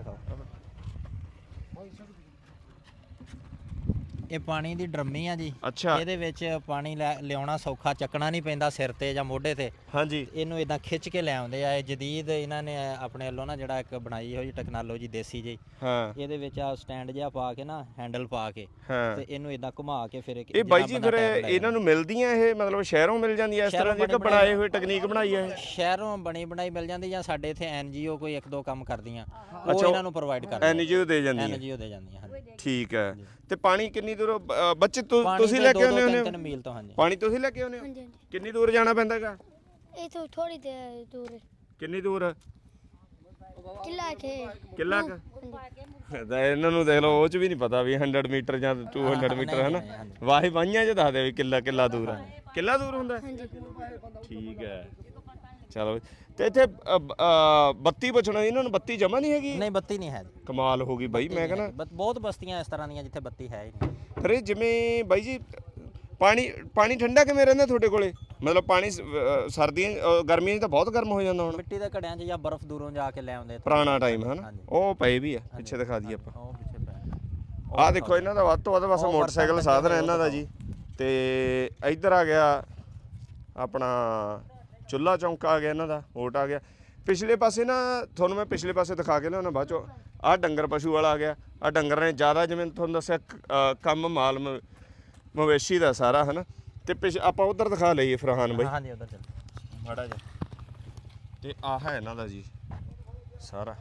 C: ਇਹ ਪਾਣੀ ਦੀ ਡਰਮੀ ਆ ਜੀ
A: ਅੱਛਾ
C: ਇਹਦੇ ਵਿੱਚ ਪਾਣੀ ਲੈ- ਲਿਆਉਣਾ ਸੌਖਾ ਚੱਕਣਾ ਨਹੀਂ ਪੈਂਦਾ ਸਿਰ ਤੇ ਜਾਂ ਮੋਢੇ ਤੇ
A: ਹਾਂਜੀ
C: ਇਹਨੂੰ ਇਦਾਂ ਖਿੱਚ ਕੇ ਲੈ ਆਉਂਦੇ ਆ ਇਹ ਜਦੀਦ ਇਹਨਾਂ ਨੇ ਆਪਣੇ ਵੱਲੋਂ ਨਾ ਜਿਹੜਾ ਇੱਕ ਬਣਾਈ ਹੋਈ ਟੈਕਨੋਲੋਜੀ ਦੇਸੀ ਜੀ
A: ਹਾਂ
C: ਇਹਦੇ ਵਿੱਚ ਆ ਸਟੈਂਡ ਜਿਹਾ ਪਾ ਕੇ ਨਾ ਹੈਂਡਲ ਪਾ ਕੇ
A: ਹਾਂ
C: ਤੇ ਇਹਨੂੰ ਇਦਾਂ ਘੁਮਾ ਕੇ ਫਿਰ
A: ਇਹ ਬਾਈ ਜੀ ਫਿਰ ਇਹਨਾਂ ਨੂੰ ਮਿਲਦੀਆਂ ਇਹ ਮਤਲਬ ਸ਼ਹਿਰੋਂ ਮਿਲ ਜਾਂਦੀਆਂ ਇਸ ਤਰ੍ਹਾਂ ਦੀ ਕਿ ਬਣਾਏ ਹੋਏ ਟੈਕਨੀਕ ਬਣਾਈ ਹੈ ਇਹ
C: ਸ਼ਹਿਰੋਂ ਬਣੀ ਬਣਾਈ ਮਿਲ ਜਾਂਦੀ ਜਾਂ ਸਾਡੇ ਇੱਥੇ ਐਨਜੀਓ ਕੋਈ ਇੱਕ ਦੋ ਕੰਮ ਕਰਦੀਆਂ ਉਹ
A: ਅੱਛਾ,
C: ਇਹਨਾਂ ਨੂੰ ਪ੍ਰੋਵਾਈਡ ਕਰਦੀਆਂ
A: ਐਨਜੀਓ ਦੇ ਜਾਂਦੀ ਹੈ
C: ਐਨਜੀਓ ਦੇ ਜਾਂਦੀਆਂ ਹਾਂਜੀ
A: ਠੀਕ ਹੈ ਤੇ ਪਾਣੀ ਕਿੰਨੀ ਦੂਰ ਅ, ਬੱਚੇ ਤੁ-
C: ਪਾਣੀ
A: ਤੁਸੀਂ
C: ਦੇ
A: ਲੈ
C: ਦੋ
A: ਕੇ
C: ਦੋ
A: ਆਉਂਦੇ
C: ਤਿੰਨ
A: ਹੋ
C: ਤਿੰਨ ਮੀਲ ਤੋਂ ਹਾਂਜੀ
A: ਪਾਣੀ ਤੁਸੀਂ ਲੈ ਕੇ ਆਉਂਦੇ ਹੋ
D: ਹਾਂਜੀ ਹਾਂਜੀ
A: ਕਿੰਨੀ ਦੂਰ ਜਾਣਾ ਪੈਂਦਾ ਹੈਗਾ
D: ਇਥੋਂ ਥੋੜੀ ਤੇ ਦੂਰ ਹੈ।
A: ਕਿੰਨੀ ਦੂਰ
D: ਕਿੱਲਾ ਕੇ
A: ਕਿੱਲਾ ਕੁ ਤਾਂ ਇਹਨਾਂ ਨੂੰ ਦੇਖ ਲਓ ਉਹ ਚ ਵੀ ਨਹੀਂ ਪਤਾ ਵੀ ਸੌ ਮੀਟਰ ਜਾਂ ਦੋ ਸੌ ਮੀਟਰ ਹੈ ਨਾ ਵਾਹੀ ਵਾਹੀਆਂ ਚ ਦੱਸਦੇ ਵੀ ਕਿੱਲਾ ਕਿੱਲਾ ਦੂਰ ਹੈ ਕਿੱਲਾ ਦੂਰ ਹੁੰਦਾ ਹੈ?
D: ਹਾਂਜੀ
A: ਠੀਕ ਹੈ ਚਲੋ ਤੇ ਇੱਥੇ ਅ, ਬ- ਅ, ਬੱਤੀ ਪੁੱਛਣਾ ਇਹਨਾਂ ਨੂੰ ਬੱਤੀ ਜਮਾ ਨਹੀਂ ਹੈਗੀ
C: ਨਹੀਂ ਬੱਤੀ ਨਹੀਂ ਹੈ ਜੀ
A: ਕਮਾਲ ਹੋ ਗਈ ਬਾਈ ਮੈਂ ਕਹਿੰਦਾ
C: ਬ- ਬਹੁਤ ਬਸਤੀਆਂ ਇਸ ਤਰ੍ਹਾਂ ਦੀਆਂ ਜਿੱਥੇ ਬੱਤੀ ਹੈ ਹੀ ਨਹੀਂ
A: ਫਿਰ ਇਹ ਜਿਵੇਂ ਬਾਈ ਜੀ ਪਾਣੀ ਪਾਣੀ ਠੰਡਾ ਕਿਵੇਂ ਰਹਿੰਦਾ ਤੁਹਾਡੇ ਕੋਲੇ ਮਤਲਬ ਪਾਣੀ ਸ- ਅ, ਸਰਦੀਆਂ ਅ, ਗਰਮੀਆਂ 'ਚ ਤਾਂ ਬਹੁਤ ਗਰਮ ਹੋ ਜਾਂਦਾ ਹੁਣ
C: ਮਿੱਟੀ ਦੇ ਘੜਿਆਂ 'ਚ ਜਾਂ ਬਰਫ਼ ਦੂਰੋਂ ਜਾ ਕੇ ਲੈ ਆਉਂਦੇ ਇੱਥੇ।
A: ਪੁਰਾਣਾ ਟਾਈਮ ਹੈ ਨਾ
C: ਹਾਂਜੀ।
A: ਉਹ ਪਏ ਵੀ ਆ ਪਿੱਛੇ ਦਿਖਾ ਦਈਏ ਆਪਾਂ
C: ਉਹ ਪਿੱਛੇ ਪੈ
A: ਆਹ ਦੇਖੋ ਇਹਨਾਂ ਦਾ ਵੱਧ ਤੋਂ ਵੱਧ ਬਸ
C: ਉਹ
A: ਮੋਟਰਸਾਈਕਲ
C: ਬਰਤਨ
A: ਸਾਧਨ ਹੈ
C: ਲੱਗੇ
A: ਇਹਨਾਂ ਦਾ ਜੀ ਤੇ ਇੱਧਰ ਆ ਗਿਆ ਆਪਣਾ ਚੁੱਲਾ ਚੌਂਕਾ ਆ ਗਿਆ ਇਹਨਾਂ ਦਾ ਓਟ ਆ ਗਿਆ ਪਿਛਲੇ ਪਾਸੇ ਨਾ ਤੁਹਾਨੂੰ ਮੈਂ ਪਿਛਲੇ ਪਾਸੇ ਦਿਖਾ ਕੇ ਲਿਆਉਣਾ ਬਾਅਦ ਚੋਂ ਆਹ ਡੰਗਰ ਪਸ਼ੂ ਵਾਲਾ ਆ ਗਿਆ ਆਹ ਡੰਗਰ ਨੇ ਜ਼ਿਆਦਾ ਜਿਵੇਂ ਤੁਹਾਨੂੰ ਦੱਸਿਆ ਕ- ਅ, ਕੰਮ ਮਾਲ ਮ- ਮਵੇਸ਼ੀ ਦਾ ਸਾਰਾ ਹੈ ਨਾ ਤੇ ਪਿਛ ਆਪਾਂ ਉਧਰ ਦਿਖਾ ਲਈਏ ਫਰਹਾਨ ਬਾਈ
C: ਹਾਂਜੀ ਉਧਰ ਚੱਲ
A: ਮਾੜਾ ਜਿਹਾ ਤੇ ਆਹ ਹੈ ਇਹਨਾਂ ਦਾ ਜੀ ਸਾਰਾ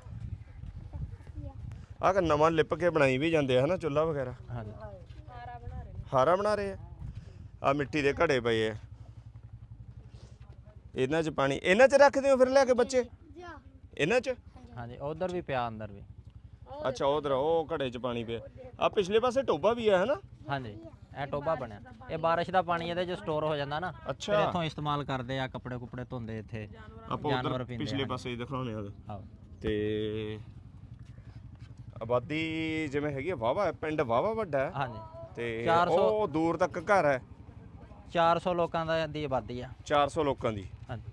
A: ਆਹ ਨਵਾਂ ਲਿਪ ਕੇ ਬਣਾਈ ਵੀ ਜਾਂਦੇ ਆ ਹਨਾ ਚੁੱਲਾ ਵਗੈਰਾ
C: ਹਾਂਜੀ
A: ਹਾਰਾ ਬਣਾ ਰਹੇ ਆ ਆ ਮਿੱਟੀ ਦੇ ਘੜੇ ਪਏ ਆ ਇਹਨਾਂ 'ਚ ਪਾਣੀ ਇਹਨਾਂ 'ਚ ਰੱਖਦੇ ਹੋ ਫਿਰ ਲਿਆ ਕੇ ਬੱਚੇ
D: ਜਾ
A: ਇਹਨਾਂ 'ਚ
D: ਹਾਂਜੀ
C: ਹਾਂਜੀ ਉਧਰ ਵੀ ਪਿਆ ਅੰਦਰ ਵੀ।
A: ਅੱਛਾ ਉਧਰ ਉਹ ਘੜੇ 'ਚ ਪਾਣੀ ਪਿਆ। ਆ ਪਿਛਲੇ ਪਾਸੇ ਟੋਬਾ ਵੀ ਹੈ ਹੈ ਨਾ?
C: ਹਾਂਜੀ ਇਹ ਟੋਬਾ ਬਣਿਆ, ਇਹ ਬਾਰਿਸ਼ ਦਾ ਪਾਣੀ ਇਹਦੇ 'ਚ ਸਟੋਰ ਹੋ ਜਾਂਦਾ ਨਾ, ਫਿਰ
A: ਅੱਛਾ
C: ਇੱਥੋਂ ਇਸਤੇਮਾਲ ਕਰਦੇ ਆ, ਕੱਪੜੇ ਕੁਪੜੇ ਧੋਂਦੇ ਇੱਥੇ,
A: ਆਪਾਂ
C: ਜਾਨਵਰ
A: ਉਧਰ
C: ਪੀਂਦੇ
A: ਪਿਛਲੇ
C: ਆ।
A: ਪਾਸੇ ਹੀ ਦਿਖਾਉਣੇ ਆ।
C: ਆਹੋ
A: ਤੇ ਆਬਾਦੀ ਜਿਵੇਂ ਹੈਗੀ ਆ ਵਾਹਵਾ, ਪਿੰਡ ਵਾਹਵਾ ਵੱਡਾ ਹੈ
C: ਹਾਂਜੀ
A: ਤੇ
C: ਚਾਰ ਸੌ
A: ਉਹ ਦੂਰ ਤੱਕ ਘਰ ਹੈ।
C: ਚਾਰ ਸੌ ਲੋਕਾਂ ਦਾ ਦੀ ਆਬਾਦੀ ਆ।
A: ਚਾਰ ਸੌ ਲੋਕਾਂ ਦੀ।
C: ਹਾਂਜੀ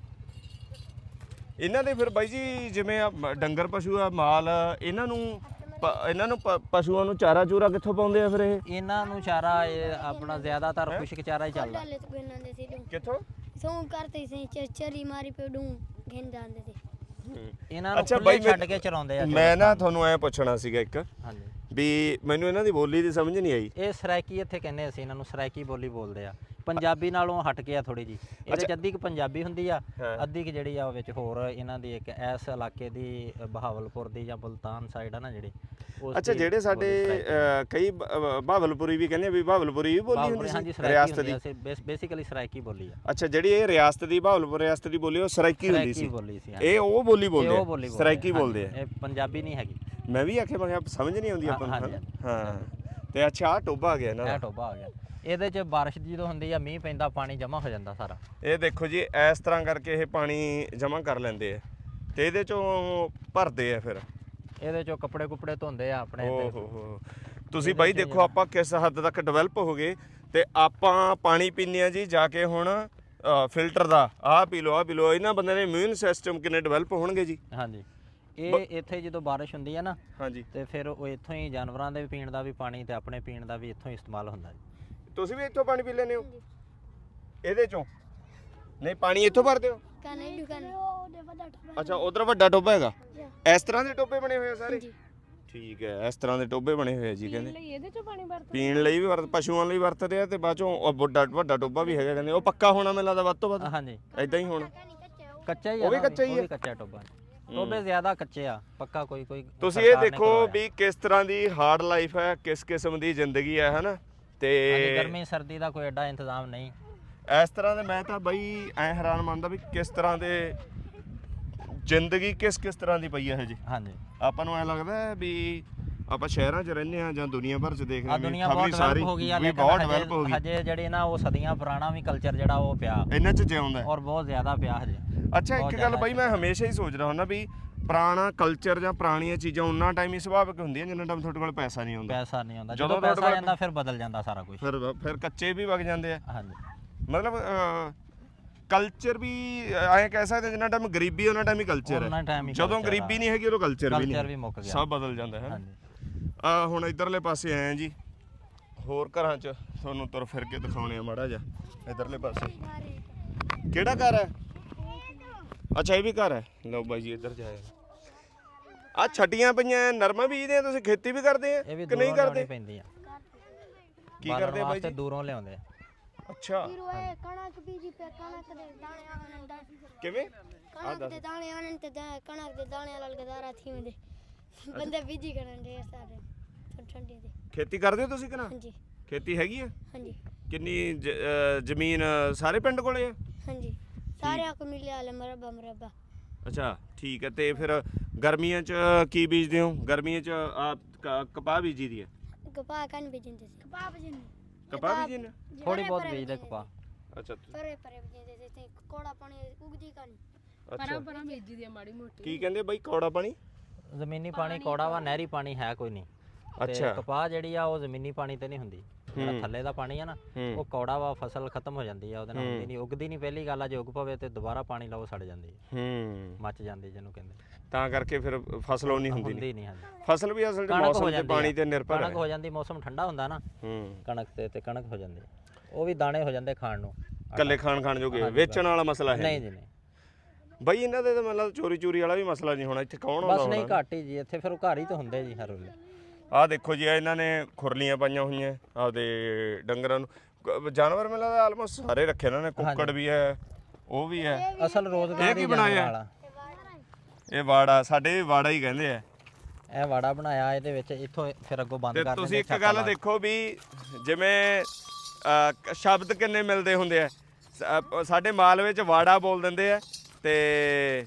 A: ਇਹਨਾਂ ਦੇ ਫਿਰ ਬਾਈ ਜੀ ਜਿਵੇਂ ਆ ਮ- ਡੰਗਰ ਪਸ਼ੂ ਆ ਮਾਲ, ਇਹਨਾਂ ਨੂੰ ਪ- ਇਹਨਾਂ ਨੂੰ ਪ- ਪਸ਼ੂਆਂ ਨੂੰ ਚਾਰਾ ਚੂਰਾ ਕਿੱਥੋਂ ਪਾਉਂਦੇ ਆ ਫਿਰ ਇਹ?
C: ਇਹਨਾਂ ਨੂੰ ਚਾਰਾ ਇਹ ਆਪਣਾ ਜ਼ਿਆਦਾਤਰ ਖੁਸ਼ਕ ਚਾਰਾ ਹੀ ਚੱਲਦਾ।
D: डाले तो गन्ना दे सी डूं
A: ਕਿੱਥੋਂ?
D: सो करते से चरचरी मारी पे डूं घेन जाते थे।
C: ਇਹਨਾਂ ਨੂੰ
A: ਅੱਛਾ
C: ਖੁੱਲੇ
A: ਬਾਈ
C: ਛੱਡ ਕੇ ਚਰਾਉਂਦੇ ਆ।
A: ਮੈਂ ਨਾ ਤੁਹਾਨੂੰ ਐ ਪੁੱਛਣਾ ਸੀਗਾ ਇੱਕ
C: ਹਾਂਜੀ
A: ਵੀ ਮੈਨੂੰ ਇਹਨਾਂ ਦੀ ਬੋਲੀ ਦੀ ਸਮਝ ਨਹੀਂ ਆਈ।
C: ਇਹ ਸਰਾਇਕੀ ਇੱਥੇ ਕਹਿੰਦੇ ਅਸੀਂ ਇਹਨਾਂ ਨੂੰ, ਸਰਾਇਕੀ ਬੋਲੀ ਬੋਲਦੇ ਆ। ਪੰਜਾਬੀ ਨਾਲੋਂ ਹਟ ਕੇ ਆ ਥੋੜੀ ਜੀ, ਇਹਦੇ ਚ ਅੱਧੀ ਕੁ ਪੰਜਾਬੀ ਹੁੰਦੀ ਆ, ਅੱਧੀ ਕੁ ਜਿਹੜੀ ਆ ਉਹ ਵਿੱਚ ਹੋਰ ਇਹਨਾਂ ਦੀ ਇੱਕ ਇਸ ਇਲਾਕੇ ਦੀ ਅ, ਬਹਾਵਲਪੁਰ ਦੀ ਜਾਂ ਮੁਲਤਾਨ ਸਾਈਡ ਆ ਨਾ ਜਿਹੜੀ ਉਸ
A: ਅੱਛਾ
C: ਦੀ
A: ਜਿਹੜੇ ਸਾਡੇ
C: ਬੋਲੀ ਸਰਾਇਕੀ।
A: ਅ, ਕਈ ਬ- ਅ, ਬਹਾਵਲਪੁਰੀ ਵੀ ਕਹਿੰਦੇ ਆ ਵੀ ਬਹਾਵਲਪੁਰੀ ਵੀ ਬੋਲੀ
C: ਬਹਾਵਲਪੁਰ,
A: ਹੁੰਦੀ
C: ਹਾਂਜੀ
A: ਸੀ
C: ਸਰਾਇਕੀ
A: ਰਿਆਸਤ
C: ਹੁੰਦੀ
A: ਦੀ।
C: ਆ, ਬੇਸਿਕਲੀ ਸਰਾਇਕੀ ਬੋਲੀ ਆ।
A: ਅੱਛਾ ਜਿਹੜੀ ਇਹ ਰਿਆਸਤ ਦੀ ਬਹਾਵਲਪੁਰ ਰਿਆਸਤ ਦੀ ਬੋਲੀ ਉਹ ਸਰਾਇਕੀ ਹੁੰਦੀ
C: ਸਰਾਇਕੀ
A: ਸੀ।
C: ਬੋਲੀ ਸੀ
A: ਇਹ ਉਹ ਬੋਲੀ
C: ਇਹ
A: ਬੋਲਦੇ
C: ਉਹ
A: ਆ,
C: ਬੋਲੀ ਬੋਲਦੇ
A: ਸਰਾਇਕੀ
C: ਆ,
A: ਬੋਲਦੇ ਆ।
C: ਹਾਂਜੀ, ਇਹ ਪੰਜਾਬੀ ਨਹੀਂ ਹੈਗੀ।
A: ਮੈਂ ਵੀ ਆਖਿਆ ਮੈਂ ਕਿਹਾ ਸਮਝ ਨਹੀਂ ਆਉਂਦੀ ਆਪਾਂ ਨੂੰ
C: ਹਾਂਜੀ,
A: ਹਨਾ? ਹਾਂ ਤੇ ਅੱਛਾ ਆ ਟੋਬਾ ਆ ਗਿਆ ਇਹਨਾਂ
C: ਇਹ
A: ਦਾ।
C: ਟੋਬਾ ਆ ਗਿਆ। ਇਹਦੇ ਚ ਬਾਰਿਸ਼ ਜਦੋਂ ਹੁੰਦੀ ਆ, ਮੀਂਹ ਪੈਂਦਾ, ਪਾਣੀ ਜਮ੍ਹਾਂ ਹੋ ਜਾਂਦਾ ਸਾਰਾ।
A: ਇਹ ਦੇਖੋ ਜੀ ਇਸ ਤਰ੍ਹਾਂ ਕਰਕੇ ਇਹ ਪਾਣੀ ਜਮ੍ਹਾਂ ਕਰ ਲੈਂਦੇ ਆ ਤੇ ਇਹਦੇ ਚੋਂ ਭਰਦੇ ਆ ਫਿਰ।
C: ਇਹਦੇ ਚੋਂ ਕੱਪੜੇ ਕੁਪੜੇ ਧੋਂਦੇ ਆ ਆਪਣੇ
A: ਓ
C: ਤੇ।
A: ਹੋ ਹੋ ਤੁਸੀਂ ਬਾਈ ਦੇਖੋ ਆਪਾਂ ਕਿਸ ਹੱਦ ਤੱਕ ਡਿਵੈਲਪ ਹੋ ਗਏ ਤੇ ਆਪਾਂ ਪਾਣੀ ਪੀਂਦੇ ਆ ਜੀ ਜਾ ਕੇ ਹੁਣ ਫਿਲਟਰ ਦਾ। ਆਹ ਪੀ ਲਓ ਆਹ ਪੀ ਲਓ। ਇਹਨਾਂ ਬੰਦੇ ਦੇ ਇਮਿਊਨ ਸਿਸਟਮ ਕਿੰਨੇ ਡਿਵੈਲਪ ਹੋਣਗੇ ਜੀ।
C: ਹਾਂਜੀ ਇਹ ਇੱਥੇ ਜਦੋਂ ਬਾਰਿਸ਼ ਹੁੰਦੀ ਆ ਨਾ
A: ਹਾਂਜੀ
C: ਤੇ ਫਿਰ ਉਹ ਇੱਥੋਂ ਹੀ ਜਾਨਵਰਾਂ ਦੇ ਪੀਣ ਦਾ ਵੀ ਪਾਣੀ ਤੇ ਆਪਣੇ ਪੀਣ ਦਾ ਵੀ ਇੱਥੋਂ ਹੀ ਇਸਤੇਮਾਲ ਹੁੰਦਾ ਜੀ।
A: ਤੁਸੀਂ ਵੀ ਇੱਥੋਂ ਪਾਣੀ ਪੀ ਲੈਂਦੇ ਹੋ ਇਹਦੇ ਚੋਂ? ਨਹੀਂ ਪਾਣੀ ਇੱਥੋਂ ਭਰਦੇ ਹੋ?
D: काने दुकान
A: ਅੱਛਾ ਉਧਰ ਵੱਡਾ ਟੋਬਾ ਹੈਗਾ। ਇਸ ਤਰ੍ਹਾਂ ਦੇ ਟੋਬੇ ਬਣੇ ਹੋਏ ਆ ਸਾਰੇ?
D: जी
A: ਠੀਕ ਹੈ ਇਸ ਤਰ੍ਹਾਂ ਦੇ ਟੋਬੇ ਬਣੇ ਹੋਏ ਆ ਜੀ ਕਹਿੰਦੇ।
E: ਇਹਦੇ ਚੋਂ ਪਾਣੀ ਵਰਤ
A: ਪੀਣ ਲਈ ਵੀ ਵਰਤ ਪਸ਼ੂਆਂ ਲਈ ਵਰਤਦੇ ਆ ਤੇ ਬਾਅਦ ਚੋਂ ਉਹ ਵੱਡਾ ਵੱਡਾ ਟੋਬਾ ਵੀ ਹੈਗਾ ਕਹਿੰਦੇ। ਉਹ ਪੱਕਾ ਹੋਣਾ ਮੈਨੂੰ ਲੱਗਦਾ ਵੱਧ ਤੋਂ ਵੱਧ
C: ਹਾਂਜੀ
A: ਐਦਾਂ ਹੀ ਹੋਣਾ।
C: ਕੱਚਾ ਹੀ ਆ
A: ਉਹ ਵੀ
C: ਨਾ,
A: ਕੱਚਾ ਹੀ
C: ਉਹ
A: ਆ?
C: ਵੀ ਕੱਚਾ ਟੋਬਾ। ਟੋਬੇ ਜ਼ਿਆਦਾ ਕੱਚੇ ਆ, ਪੱਕਾ ਕੋਈ ਕੋਈ
A: ਤੁਸੀਂ ਇਹ
C: ਸਰਕਾਰ ਨੇ
A: ਦੇਖੋ
C: ਕਰਵਾਇਆ।
A: ਵੀ ਕਿਸ ਤਰ੍ਹਾਂ ਦੀ ਹਾਰਡ ਲਾਈਫ ਹੈ, ਕਿਸ ਕਿਸਮ ਦੀ ਜ਼ਿੰਦਗੀ ਹੈ ਹਨਾ।
C: ਹਾਂਜੀ,
A: ਤੇ
C: ਗਰਮੀ ਸਰਦੀ ਦਾ ਕੋਈ ਐਡਾ ਇੰਤਜ਼ਾਮ ਨਹੀਂ।
A: ਇਸ ਤਰ੍ਹਾਂ ਦੇ ਮੈਂ ਤਾਂ ਬਈ ਐ ਹੈਰਾਨ ਮੰਨਦਾ ਵੀ ਕਿਸ ਤਰ੍ਹਾਂ ਦੇ ਜ਼ਿੰਦਗੀ ਕਿਸ ਕਿਸ ਤਰ੍ਹਾਂ ਦੀ ਪਈ ਹੈ ਹਜੇ।
C: ਹਾਂਜੀ
A: ਆਪਾਂ ਨੂੰ ਐ ਲੱਗਦਾ ਹੈ ਵੀ ਆਪਾਂ ਸ਼ਹਿਰਾਂ 'ਚ ਰਹਿੰਦੇ ਆ ਜਾਂ ਦੁਨੀਆ ਭਰ 'ਚ ਦੇਖ
C: ਆ
A: ਰਹੇ
C: ਦੁਨੀਆ
A: ਖਬਰੀ
C: ਬਹੁਤ
A: ਸਾਰੀ
C: ਡਿਵੈਲਪ ਹੋ ਗਈ ਆ,
A: ਵੀ
C: ਲੇਕਿਨ
A: ਬਹੁਤ ਡਿਵੈਲਪ ਹੋ
C: ਹਜੇ
A: ਗਈ।
C: ਹਜੇ ਜਿਹੜੇ ਨਾ ਉਹ ਸਦੀਆਂ ਪੁਰਾਣਾ ਵੀ ਕਲਚਰ ਜਿਹੜਾ ਉਹ ਪਿਆ
A: ਇਹਨਾਂ 'ਚ ਜਿਉਂਦਾ ਹੈ।
C: ਔਰ ਬਹੁਤ ਜ਼ਿਆਦਾ ਪਿਆ ਹਜੇ।
A: ਅੱਛਾ
C: ਬਹੁਤ
A: ਇੱਕ ਗੱਲ
C: ਜ਼ਿਆਦਾ
A: ਬਈ ਮੈਂ ਹਮੇਸ਼ਾ ਹੀ ਸੋਚਦਾ ਹੁੰਦਾ ਵੀ ਪੁਰਾਣਾ ਕਲਚਰ ਜਾਂ ਪੁਰਾਣੀਆਂ ਚੀਜ਼ਾਂ ਉਹਨਾਂ ਟਾਈਮ ਹੀ ਸੁਭਾਵਿਕ ਹੁੰਦੀਆਂ ਜਿੰਨਾ ਟਾਈਮ ਤੁਹਾਡੇ ਕੋਲ ਪੈਸਾ ਨਹੀਂ ਆਉਂਦਾ।
C: ਪੈਸਾ ਨਹੀਂ ਆਉਂਦਾ,
A: ਜਦੋਂ
C: ਜਦੋਂ
A: ਤੁਹਾਡੇ
C: ਪੈਸਾ ਆ
A: ਕੋਲ-
C: ਜਾਂਦਾ ਫਿਰ ਬਦਲ ਜਾਂਦਾ ਸਾਰਾ ਕੁਝ।
A: ਫਿਰ ਫਿਰ ਕੱਚੇ ਵੀ ਵਗ ਜਾਂਦੇ ਆ।
C: ਹਾਂਜੀ
A: ਮਤਲਬ ਕਲਚਰ ਵੀ ਐਂ ਕਹਿ ਸਕਦੇ ਜਿੰਨਾ ਟਾਈਮ ਗਰੀਬੀ ਉਹਨਾਂ ਟਾਈਮ ਹੀ ਕਲਚਰ
C: ਉਹਨਾਂ
A: ਹੈ।
C: time ਹੀ
A: ਜਦੋਂ
C: culture
A: ਗਰੀਬੀ
C: ਆ।
A: ਨਹੀਂ ਹੈਗੀ ਉਦੋਂ ਕਲਚਰ ਵੀ
C: ਕਲਚਰ ਵੀ
A: ਨਹੀਂ,
C: ਮੁੱਕ ਗਿਆ।
A: ਸਭ ਬਦਲ ਜਾਂਦਾ ਹੈ ਨਾ।
C: ਹਾਂਜੀ
A: ਆ ਹੁਣ ਇਧਰਲੇ ਪਾਸੇ ਆਏ ਆ ਜੀ, ਹੋਰ ਘਰਾਂ 'ਚ ਤੁਹਾਨੂੰ ਤੁਰ ਫਿਰ ਕੇ ਦਿਖਾਉਣੇ ਆ ਮਾੜਾ ਜਿਹਾ। ਇਧਰਲੇ ਪਾਸੇ ਕਿਹੜਾ ਘਰ ਹੈ? ਅੱਛਾ ਇਹ ਵੀ ਘਰ ਹੈ। ਲਓ ਬਾਈ ਜੀ ਇੱਧਰ ਜਾਏ। ਆ ਛੱਡੀਆਂ ਪਈਆਂ ਨਰਮਾ ਬੀਜਦੇ ਆ ਤੁਸੀਂ? ਖੇਤੀ ਵੀ ਕਰਦੇ ਆ
C: ਇਹ ਵੀ
A: ਕਿ ਨਹੀਂ
C: ਦੂਰੋਂ
A: ਕਰਦੇ?
C: ਲਿਆਉਣੀ ਪੈਂਦੀ ਆ।
A: ਕੀ
C: ਬਾਲਣ
A: ਕਰਦੇ ਆ ਬਾਈ
C: ਵਾਸਤੇ
A: ਜੀ?
C: ਦੂਰੋਂ ਲਿਆਉਂਦੇ ਆ।
A: ਅੱਛਾ
D: फिर वो कणक बीजी पे कणक दे दाने आनंद
A: ਕਿਵੇਂ?
D: कणक दे दाने आनंद ते कणक दे दाने लाल गदारा थी में बंदे बीजी करन ढेर सारे ठंडी दे।
A: ਖੇਤੀ ਕਰਦੇ ਹੋ ਤੁਸੀਂ ਕਿ ਨਾ?
D: हाँ जी
A: ਖੇਤੀ ਹੈਗੀ ਆ?
D: हाँ जी
A: ਕਿੰਨੀ ਜ- ਅਹ ਜ਼ਮੀਨ ਸਾਰੇ ਪਿੰਡ ਕੋਲੇ ਆ?
D: हाँ जी सारे को मिले आले मरबा मरबा।
A: ਅੱਛਾ ਠੀਕ ਹੈ। ਤੇ ਫਿਰ ਗਰਮੀਆਂ 'ਚ ਕੀ ਬੀਜਦੇ ਹੋ? ਗਰਮੀਆਂ 'ਚ ਆ ਕ- ਕਪਾਹ ਬੀਜੀ ਦੀ ਹੈ?
D: कपा कान बेचते थे कपा बेचने
A: ਕਪਾਹ ਬੀਜੀ ਨੇ?
C: ਥੋੜੀ ਬਹੁਤ ਬੀਜਦੇ ਕਪਾਹ।
A: ਅੱਛਾ
D: परे परे बेचते थे कोड़ा पानी उगदी कान।
A: ਅੱਛਾ
E: ਪਰਾਂ ਪਰਾਂ ਬੀਜੀ ਦੀ ਆ ਮਾੜੀ ਮੋਟੀ।
A: ਕੀ ਕਹਿੰਦੇ ਬਾਈ ਕੌੜਾ ਪਾਣੀ?
C: ਜ਼ਮੀਨੀ ਪਾਣੀ ਕੌੜਾ ਵਾ, ਨਹਿਰੀ ਪਾਣੀ ਹੈ ਕੋਈ ਨਹੀਂ। ਤੇ
A: ਅੱਛਾ।
C: ਕਪਾਹ ਜਿਹੜੀ ਆ ਉਹ ਜ਼ਮੀਨੀ ਪਾਣੀ ਤੇ ਨਹੀਂ ਹੁੰਦੀ, ਜਿਹੜਾ ਥੱਲੇ ਦਾ ਪਾਣੀ ਆ ਨਾ
A: ਹੂੰ।
C: ਉਹ ਕੌੜਾ ਵਾ, ਫਸਲ ਖਤਮ ਹੋ ਜਾਂਦੀ ਆ ਉਹਦੇ ਨਾਲ, ਹੁੰਦੀ ਨਹੀਂ, ਉਗਦੀ ਨਹੀਂ। ਪਹਿਲੀ ਗੱਲ ਆ ਜੇ ਉਗ ਪਵੇ ਤੇ ਦੁਬਾਰਾ ਪਾਣੀ ਲਾਓ ਸੜ ਜਾਂਦੀ ਹੈ,
A: ਹੂੰ
C: ਮੱਚ ਜਾਂਦੀ ਜਿਹਨੂੰ ਕਹਿੰਦੇ,
A: ਤਾਂ ਕਰਕੇ ਫਿਰ ਫਸਲ ਉਹ ਨਹੀਂ ਹੁੰਦੀ
C: ਹੁੰਦੀ
A: ਨਹੀਂ।
C: ਨਹੀਂ। ਹਾਂਜੀ
A: ਫਸਲ ਵੀ ਅਸਲ 'ਚ
C: ਕਣਕ ਹੋ
A: ਮੌਸਮ ਤੇ
C: ਜਾਂਦੀ
A: ਪਾਣੀ
C: ਆ,
A: ਤੇ ਨਿਰਭਰ
C: ਕਣਕ
A: ਹੈ।
C: ਹੋ ਜਾਂਦੀ, ਮੌਸਮ ਠੰਡਾ ਹੁੰਦਾ ਨਾ
A: ਹੂੰ
C: ਕਣਕ ਤੇ ਤੇ ਕਣਕ ਹੋ ਜਾਂਦੀ, ਉਹ ਵੀ ਦਾਣੇ ਹੋ ਜਾਂਦੇ ਖਾਣ ਨੂੰ।
A: ਕੱਲੇ ਖਾਣ ਖਾਣ ਜੋਗੇ, ਵੇਚਣ ਵਾਲਾ ਮਸਲਾ ਹੈ
C: ਨਹੀਂ ਜੀ ਨਹੀਂ,
A: ਬਾਈ ਇਹਨਾਂ ਦੇ ਤਾਂ ਮਤਲਬ ਚੋਰੀ ਚੋਰੀ ਵਾਲਾ ਵੀ ਮਸਲਾ ਨਹੀਂ ਹੋਣਾ ਇੱਥੇ। ਕੌਣ ਆਉਂਦਾ
C: ਬਸ ਨਹੀਂ
A: ਹੋਣਾ?
C: ਘੱਟ ਹੀ ਜੀ ਇੱਥੇ, ਫਿਰ ਉਹ ਘਰ ਹੀ ਤਾਂ ਹੁੰਦੇ ਜੀ ਹਰ ਵੇਲੇ।
A: ਆਹ ਦੇਖੋ ਜੀ ਇਹਨਾਂ ਨੇ ਖੁਰਲੀਆਂ ਪਾਈਆਂ ਹੋਈਆਂ ਆਪਦੇ ਡੰਗਰਾਂ ਨੂੰ। ਕ- ਜਾਨਵਰ ਮੈਨੂੰ ਲੱਗਦਾ ਆਲਮੋਸਟ ਸਾਰੇ ਰੱਖੇ ਇਹਨਾਂ ਨੇ। ਕੁੱਕੜ ਵੀ ਹੈ, ਉਹ ਵੀ ਹੈ।
C: ਅਸਲ ਰੋਜ਼ਗਾਰ
A: ਇਹ ਕੀ
C: ਹੀ
A: ਬਣਾਇਆ?
C: ਜਾਨਵਰਾਂ ਵਾਲਾ।
A: ਇਹ ਵਾੜਾ, ਸਾਡੇ ਵੀ ਵਾੜਾ ਹੀ ਕਹਿੰਦੇ ਆ।
C: ਇਹ ਵਾੜਾ ਬਣਾਇਆ, ਇਹਦੇ ਵਿੱਚ ਇੱਥੋਂ ਫਿਰ ਅੱਗੋਂ ਬੰਦ
A: ਤੇ
C: ਕਰ
A: ਤੁਸੀਂ
C: ਦਿੰਦੇ
A: ਇੱਕ
C: ਛੱਤਾਂ
A: ਗੱਲ
C: ਲਾ ਕੇ।
A: ਦੇਖੋ ਵੀ ਜਿਵੇਂ ਅਹ, ਕ- ਸ਼ਬਦ ਕਿੰਨੇ ਮਿਲਦੇ ਹੁੰਦੇ ਆ। ਸ- ਅਹ, ਸਾਡੇ ਮਾਲਵੇ ਚ ਵਾੜਾ ਬੋਲ ਦਿੰਦੇ ਆ ਤੇ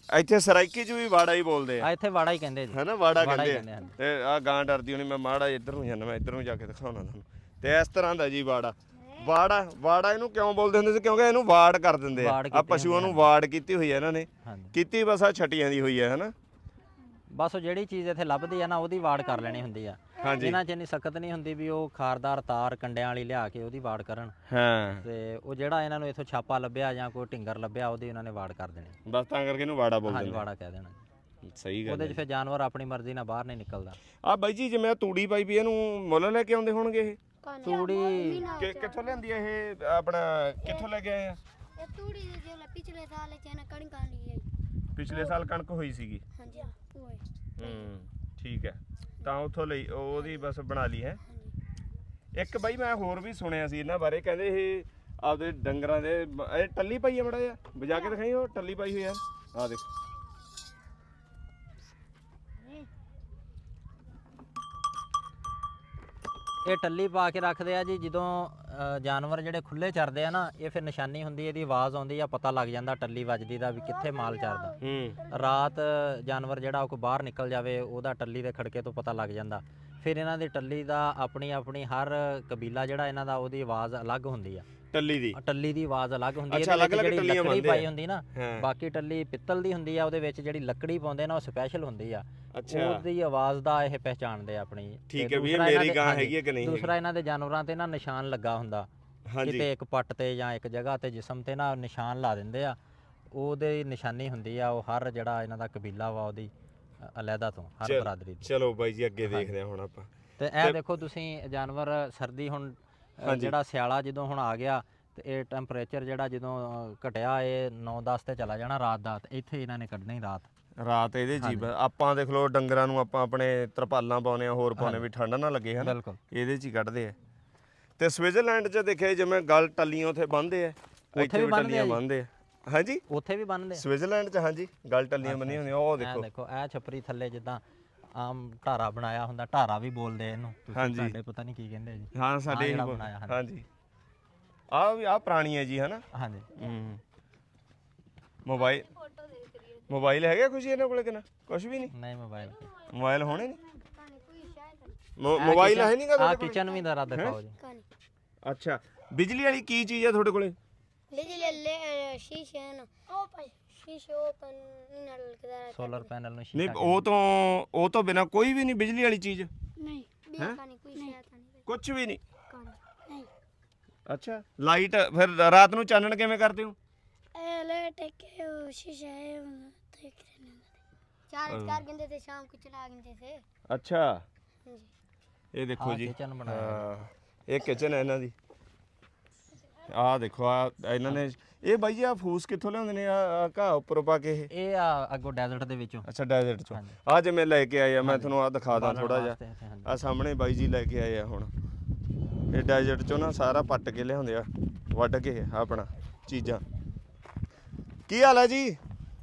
A: ਇੱਥੇ ਸਰਾਈਕੀ ਚ ਵੀ ਵਾੜਾ ਹੀ ਬੋਲਦੇ ਆ
C: ਆ ਇੱਥੇ ਵਾੜਾ ਹੀ ਕਹਿੰਦੇ ਜੀ।
A: ਹੈਨਾ ਵਾੜਾ
C: ਵਾੜਾ ਹੀ
A: ਕਹਿੰਦੇ ਆ
C: ਕਹਿੰਦੇ
A: ਤੇ ਆ ਗਾਂ ਡਰਦੀ ਹੋਣੀ ਮੈਂ ਮਾੜਾ ਇੱਧਰ ਨੂੰ ਜਾਣਾ ਮੈਂ ਇੱਧਰ ਨੂੰ ਜਾ ਕੇ ਦਿਖਾਉਣਾ ਤੁਹਾਨੂੰ ਤੇ ਇਸ ਤਰ੍ਹਾਂ ਦਾ ਜੀ ਵਾੜਾ ਵਾੜਾ ਵਾੜਾ ਇਹਨੂੰ ਕਿਉਂ ਬੋਲਦੇ ਹੁੰਦੇ ਸੀ ਕਿਉਂਕਿ ਇਹਨੂੰ ਵਾੜ ਕਰ ਦਿੰਦੇ ਆ
C: ਵਾੜ
A: ਆ
C: ਕੀਤੀ
A: ਪਸ਼ੂਆਂ ਨੂੰ ਵਾੜ ਕੀਤੀ ਹੋਈ ਹੈ ਇਹਨਾਂ ਨੇ
C: ਹਾਂਜੀ
A: ਕੀਤੀ ਬਸ ਆ ਛਟੀਆਂ ਦੀ ਹੋਈ ਹੈ ਹੈਨਾ
C: ਬਸ ਉਹ ਜਿਹੜੀ ਚੀਜ਼ ਇੱਥੇ ਲੱਭਦੀ ਆ ਨਾ ਉਹਦੀ ਵਾੜ ਕਰ ਲੈਣੀ ਹੁੰਦੀ ਆ
A: ਹਾਂਜੀ
C: ਇਹਨਾਂ 'ਚ ਇੰਨੀ ਸਖਤ ਨਹੀਂ ਹੁੰਦੀ ਵੀ ਉਹ ਖਾਰਦਾਰ ਤਾਰ ਕੰਡਿਆਂ ਵਾਲੀ ਲਿਆ ਕੇ ਉਹਦੀ ਵਾੜ ਕਰਨ
A: ਹਾਂ
C: ਤੇ ਉਹ ਜਿਹੜਾ ਇਹਨਾਂ ਨੂੰ ਇੱਥੋਂ ਛਾਪਾ ਲੱਭਿਆ ਜਾਂ ਕੋਈ ਢਿੰਗਰ ਲੱਭਿਆ ਉਹਦੀ ਇਹਨਾਂ ਨੇ ਵਾੜ ਕਰ ਦੇਣੀ
A: ਬਸ ਤਾਂ ਕਰਕੇ ਇਹਨੂੰ ਵਾੜਾ ਬੋਲਦੇ
C: ਹਾਂਜੀ
A: ਨੇ
C: ਵਾੜਾ ਕਹਿ ਦੇਣਾ
A: ਸਹੀ ਗੱਲ
C: ਉਹਦੇ 'ਚ ਫਿਰ ਜਾਨਵਰ ਆਪਣੀ ਮਰਜ਼ੀ ਨਾਲ ਬਾਹਰ ਨਹੀਂ ਨਿਕਲਦਾ
A: ਆ ਬਾਈ ਜੀ ਜਿਵੇਂ ਆਹ ਤੂੜੀ ਪਾਈ ਵੀ ਇਹਨੂੰ ਮੁੱਲ ਲੈ ਕੇ ਆਉਂਦੇ ਹੋਣਗੇ ਇਹ
C: ਤੂੜੀ
A: ਕਿ ਕਿੱਥੋਂ ਲਿਆਂਦੀ ਆ ਇਹ ਆਪਣਾ ਕਿੱਥੋਂ ਲੈ ਕੇ ਆਏ ਆ
D: ਇਹ ਤੂੜੀ ਦੇ ਜਿਹੜਾ ਪਿਛਲੇ ਸਾਲ ਚ ਇਹਨਾਂ ਕਣਕਾਂ ਲਈ ਆਈ
A: ਪਿਛਲੇ ਸਾਲ ਕਣਕ ਹੋਈ ਸੀਗੀ
D: ਹਾਂਜੀ ਉਹ ਹੈ
A: ਹੂੰ ਠੀਕ ਹੈ ਤਾਂ ਉੱਥੋਂ ਲਈ ਉਹਦੀ ਬਸ ਬਣਾ ਲਈ ਹੈ
D: ਹਾਂਜੀ
A: ਇੱਕ ਬਾਈ ਮੈਂ ਹੋਰ ਵੀ ਸੁਣਿਆ ਸੀ ਇਹਨਾਂ ਬਾਰੇ ਕਹਿੰਦੇ ਇਹ ਆਪਦੇ ਡੰਗਰਾਂ ਦੇ ਇਹ ਟੱਲੀ ਪਾਈ ਆ ਬੜਾ ਜਿਹਾ ਵਜਾ ਕੇ ਦਿਖਾਈ ਉਹ ਟੱਲੀ ਪਾਈ ਹੋਈ ਆ ਆ ਦੇਖ
C: ਇਹ ਟੱਲੀ ਪਾ ਕੇ ਰੱਖਦੇ ਆ ਜੀ ਜਦੋਂ ਅ, ਜਾਨਵਰ ਜਿਹੜੇ ਖੁੱਲੇ ਚਰਦੇ ਆ ਨਾ ਇਹ ਫਿਰ ਨਿਸ਼ਾਨੀ ਹੁੰਦੀ ਇਹਦੀ ਆਵਾਜ਼ ਆਉਂਦੀ ਆ ਪਤਾ ਲੱਗ ਜਾਂਦਾ ਟੱਲੀ ਵੱਜਦੀ ਦਾ ਵੀ ਕਿੱਥੇ ਮਾਲ ਚਰਦਾ
A: ਹੂੰ
C: ਰਾਤ ਜਾਨਵਰ ਜਿਹੜਾ ਉਹ ਕੋਈ ਬਾਹਰ ਨਿਕਲ ਜਾਵੇ ਉਹਦਾ ਟੱਲੀ ਦੇ ਖੜਕੇ ਤੋਂ ਪਤਾ ਲੱਗ ਜਾਂਦਾ ਫਿਰ ਇਹਨਾਂ ਦੀ ਟੱਲੀ ਦਾ ਆਪਣੀ ਆਪਣੀ ਹਰ ਕਬੀਲਾ ਜਿਹੜਾ ਇਹਨਾਂ ਦਾ ਉਹਦੀ ਆਵਾਜ਼ ਅਲੱਗ ਹੁੰਦੀ ਆ
A: ਟੱਲੀ ਦੀ
C: ਟੱਲੀ ਦੀ ਆਵਾਜ਼ ਅਲੱਗ ਹੁੰਦੀ
A: ਅੱਛਾ,
C: ਇਹਦੇ ਵਿੱਚ
A: ਅਲੱਗ-ਅਲੱਗ
C: ਜਿਹੜੀ
A: ਟੱਲੀਆਂ
C: ਲੱਕੜੀ
A: ਬਣਦੇ ਆ।
C: ਪਾਈ ਹੁੰਦੀ ਨਾ
A: ਹਾਂ।
C: ਬਾਕੀ ਟੱਲੀ ਪਿੱਤਲ ਦੀ ਹੁੰਦੀ ਆ ਉਹਦੇ ਵਿੱਚ ਜਿਹੜੀ ਲੱਕੜੀ ਪਾਉਂਦੇ ਨਾ ਉਹ ਸਪੈਸ਼ਲ ਹੁੰਦੀ ਆ
A: ਅੱਛਾ
C: ਉਹਦੀ ਆਵਾਜ਼ ਦਾ ਇਹ ਪਹਿਚਾਣਦੇ ਆ ਆਪਣੀ
A: ਠੀਕ
C: ਤੇ
A: ਹੈ ਵੀ ਇਹ
C: ਦੂਸਰਾ ਇਹਨਾਂ
A: ਮੇਰੀ
C: ਦੇ-
A: ਗਾਂ
C: ਹਾਂਜੀ,
A: ਹੈਗੀ ਹੈ ਕਿ ਨਹੀਂ
C: ਦੂਸਰਾ ਇਹਨਾਂ ਦੇ ਜਾਨਵਰਾਂ ਤੇ ਨਾ ਨਿਸ਼ਾਨ ਲੱਗਾ ਹੁੰਦਾ
A: ਹਾਂਜੀ
C: ਕਿਤੇ ਇੱਕ ਪੱਟ ਤੇ ਜਾਂ ਇੱਕ ਜਗ੍ਹਾ ਤੇ ਜਿਸਮ ਤੇ ਨਾ ਨਿਸ਼ਾਨ ਲਾ ਦਿੰਦੇ ਆ ਉਹਦੇ ਨਿਸ਼ਾਨੀ ਹੁੰਦੀ ਆ ਉਹ ਹਰ ਜਿਹੜਾ ਇਹਨਾਂ ਦਾ ਕਬੀਲਾ ਵਾ ਉਹਦੀ ਅ, ਅਲੱਗਾ ਤੋਂ ਹਰ
A: ਚੱਲ-
C: ਬਰਾਦਰੀ ਦੀ
A: ਚਲੋ ਬਾਈ ਜੀ ਅੱਗੇ ਦੇਖਦੇ ਹਾਂ ਹੁਣ ਆਪਾਂ
C: ਤੇ ਇਹ ਦੇਖੋ ਤੁਸੀਂ ਜਾਨਵਰ ਸਰਦੀ ਹੁਣ ਅ, ਜਿਹੜਾ ਸਿਆਲਾ ਜਦੋਂ ਹੁਣ ਆ ਗਿਆ ਤੇ ਇਹ ਟੈਂਪਰੇਚਰ ਜਿਹੜਾ ਜਦੋਂ ਅ, ਘਟਿਆ ਇਹ ਨੌ ਦਸ ਤੇ ਚਲਾ ਜਾਣਾ ਰਾਤ ਦਾ ਤੇ ਇੱਥੇ ਇਹਨਾਂ ਨੇ ਕੱਢਣੀ ਰਾਤ
A: ਰਾਤ ਇਹਦੇ ਜੀ ਬ- ਆਪਾਂ ਦੇਖ ਲਓ ਡੰਗਰਾਂ ਨੂੰ ਆਪਾਂ ਆਪਣੇ ਤਰਪਾਲਾਂ ਪਾਉਨੇ ਆ ਹੋਰ ਪਾਉਨੇ ਵੀ ਠੰਡ ਨਾ ਲੱਗੇ ਹਨ
C: ਬਿਲਕੁਲ
A: ਇਹਦੇ ਚ ਹੀ ਕੱਢਦੇ ਆ ਤੇ ਸਵਿਟਜ਼ਰਲੈਂਡ ਚ ਦੇਖਿਆ ਜਿਵੇਂ ਗਲ ਟੱਲੀਆਂ ਉਥੇ ਬੰਨਦੇ ਆ ਇੱਥੇ
C: ਵੀ
A: ਵੀ
C: ਬੰਨ੍ਹਦੇ
A: ਟੱਲੀਆਂ
C: ਆ ਜੀ।
A: ਬੰਨਦੇ ਆ ਹਾਂਜੀ
C: ਉੱਥੇ ਵੀ ਬੰਨਦੇ ਆ
A: ਸਵਿਟਜ਼ਰਲੈਂਡ ਚ ਹਾਂਜੀ ਗਲ ਟੱਲੀਆਂ ਬੰਨੀਆਂ ਹੁੰਦੀਆਂ ਉਹ
C: ਇਹ
A: ਦੇਖੋ
C: ਦੇਖੋ ਇਹ ਛਪਰੀ ਥੱਲੇ ਜਿੱਦਾਂ ਆਮ ਢਾਰਾ ਬਣਾਇਆ ਹੁੰਦਾ ਢਾਰਾ ਵੀ ਬੋਲਦੇ ਆ ਇਹਨੂੰ ਤੁਸੀਂ
A: ਹਾਂਜੀ।
C: ਸਾਡੇ ਪਤਾ ਨਹੀਂ ਕੀ ਕਹਿੰਦੇ ਜੀ
A: ਹਾਂ ਸਾਡੇ
C: ਜਿਹੜਾ
A: ਇਹੀ
C: ਬਣਾਇਆ, ਹਾਂਜੀ।
A: ਹਾਂਜੀ ਆ ਵੀ ਆ ਪੁਰਾਣੀ ਹੈ ਜੀ ਹਨਾ
C: ਹਾਂਜੀ
A: ਹੂੰ ਮੋਬਾਈਲ ਮੋਬਾਈਲ ਹੈਗਾ ਕੁਝ ਇਹਨਾਂ ਕੋਲੇ ਕਿ ਨਾ ਕੁਝ ਵੀ ਨਹੀਂ
C: ਨਹੀਂ ਮੋਬਾਈਲ
A: ਮੋਬਾਈਲ ਹੋਣੇ ਨਹੀਂ
D: ਕਹਾਣੀ ਕੋਈ ਸ਼ਾਇਦ
A: ਮੋ- ਮੋਬਾਈਲ ਹੈ ਨਹੀਂਗਾ
C: ਆ
A: ਤੁਹਾਡੇ ਕੋਲ
C: ਕਿਚਨ ਵੀ ਦਾ ਦਿਖਾਓ ਜੀ
D: ਕਹਾਣੀ
A: ਅੱਛਾ ਬਿਜਲੀ ਵਾਲੀ ਕੀ ਚੀਜ਼ ਹੈ ਤੁਹਾਡੇ ਕੋਲੇ
D: ਲੈ ਲੈ ਲੈ ਸ਼ੀਸ਼ੇ ਨਾ ਉਹ ਭਾਈ ਸ਼ੀਸ਼ੇ ਓਪਨ ਨਾਲ ਲਗਦਾ
C: ਸੋਲਰ ਪੈਨਲ ਨੂੰ
A: ਨਹੀਂ
C: ਸ਼ੀਸ਼ਾ
A: ਉਹ ਤੋਂ ਉਹ ਤੋਂ ਬਿਨਾ ਕੋਈ ਵੀ ਨਹੀਂ ਬਿਜਲੀ ਵਾਲੀ ਚੀਜ਼
D: ਨਹੀਂ ਵੀ ਕਹਾਣੀ ਕੋਈ ਸ਼ਾਇਦ ਨਹੀਂ
A: ਕੁਝ ਵੀ ਨਹੀਂ
D: ਕਹਾਣੀ ਨਹੀਂ
A: ਅੱਛਾ ਲਾਈਟ ਫਿਰ ਰਾਤ ਨੂੰ ਚਾਨਣ ਕਿਵੇਂ ਕਰਦੇ ਹੋ
D: ਇਹ ਲੈ ਟੇਕੇ ਉਹ ਸ਼ੀਸ਼ਾ ਹੈ ਦੇਖ ਰਹੇ ਨੇ ਚਾਰ ਚਾਰ ਘੰਟੇ ਤੇ ਸ਼ਾਮ को चला घंटे से
A: ਅੱਛਾ
D: जी
A: ਇਹ ਦੇਖੋ
C: ਆਹ
A: ਜੀ
C: kitchen ਬਣਾਇਆ
A: ਹਾਂ ਇਹ ਕਿਚਨ ਹੈ ਇਹਨਾਂ ਦੀ ਆਹ ਦੇਖੋ ਆ ਇਹਨਾਂ ਨੇ ਇਹ ਬਾਈ ਜੀ ਆ ਫੂਸ ਕਿੱਥੋਂ ਲਿਆਉਂਦੇ ਨੇ ਆ ਘਾਹ ਉੱਪਰੋਂ ਪਾ ਕੇ ਇਹ
C: ਇਹ ਆ ਅੱਗੋਂ ਡੈਜ਼ਰਟ ਦੇ ਵਿੱਚੋਂ
A: ਅੱਛਾ ਡੈਜ਼ਰਟ ਚੋਂ
C: ਹਾਂਜੀ।
A: ਆ ਜਿਵੇਂ ਲੈ ਕੇ ਆਏ ਆ ਮੈਂ ਤੁਹਾਨੂੰ ਆ ਦਿਖਾ ਦਾਂ
C: ਬਾਲਣ
A: ਥੋੜਾ ਜਿਹਾ
C: ਵਾਸਤੇ ਇੱਥੇ, ਹਾਂਜੀ।
A: ਆ ਸਾਹਮਣੇ ਬਾਈ ਜੀ ਲੈ ਕੇ ਆਏ ਆ ਹੁਣ ਇਹ ਡੈਜ਼ਰਟ ਚੋਂ ਨਾ ਸਾਰਾ ਪੱਟ ਕੇ ਲਿਆਉਂਦੇ ਆ ਵੱਢ ਕੇ ਆਪਣਾ ਚੀਜ਼ਾਂ ਕੀ ਹਾਲ ਹੈ ਜੀ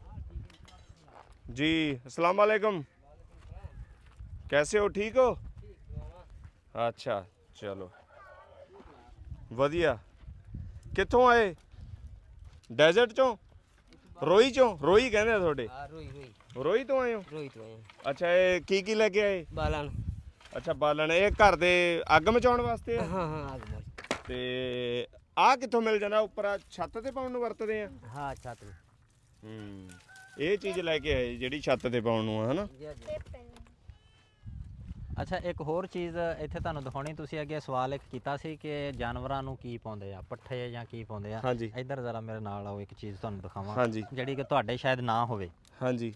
A: जी अस्सलाम वालेकुम कैसे हो ठीक हो अच्छा चलो ਵਧੀਆ ਕਿੱਥੋਂ ਆਏ ਡੈਜ਼ਰਟ ਚੋਂ ਰੋਈ ਚੋਂ ਰੋਈ ਕਹਿੰਦੇ ਆ ਤੁਹਾਡੇ
F: ਆ ਰੋਈ ਰੋਈ
A: ਰੋਈ ਤੋਂ ਆਏ ਹੋ
F: ਰੋਈ ਤੋਂ ਆਏ
A: ਅੱਛਾ ਇਹ ਕੀ ਕੀ ਲੈ ਕੇ ਆਏ
F: ਬਾਲਣ
A: ਅੱਛਾ ਬਾਲਣ ਇਹ ਘਰ ਦੇ ਅੱਗ ਮਚਾਉਣ ਵਾਸਤੇ ਆ
F: ਹਾਂ ਹਾਂ ਆ ਗਏ
A: ਤੇ ਆਹ ਕਿੱਥੋਂ ਮਿਲ ਜਾਂਦਾ ਉੱਪਰ ਆਹ ਛੱਤ ਤੇ ਪਾਉਣ ਨੂੰ ਵਰਤਦੇ ਆ
F: ਹਾਂ ਛਾਤ
A: ਹੂੰ ਇਹ ਚੀਜ਼ ਲੈ ਕੇ ਆਏ ਜਿਹੜੀ ਛੱਤ ਤੇ ਪਾਉਣ ਨੂੰ ਆ ਹਨਾ
C: ਅੱਛਾ ਇੱਕ ਹੋਰ ਚੀਜ਼ ਇੱਥੇ ਤੁਹਾਨੂੰ ਦਿਖਾਉਣੀ ਤੁਸੀਂ ਅੱਗੇ ਸਵਾਲ ਇੱਕ ਕੀਤਾ ਸੀ ਕਿ ਜਾਨਵਰਾਂ ਨੂੰ ਕੀ ਪਾਉਂਦੇ ਆ ਪੱਠੇ ਜਾਂ ਕੀ ਪਾਉਂਦੇ ਆ
A: ਹਾਂਜੀ
C: ਇੱਧਰ ਜ਼ਰਾ ਮੇਰੇ ਨਾਲ ਆਓ ਇੱਕ ਚੀਜ਼ ਤੁਹਾਨੂੰ ਦਿਖਾਵਾਂ
A: ਹਾਂਜੀ
C: ਜਿਹੜੀ ਕਿ ਤੁਹਾਡੇ ਸ਼ਾਇਦ ਨਾ ਹੋਵੇ
A: ਹਾਂਜੀ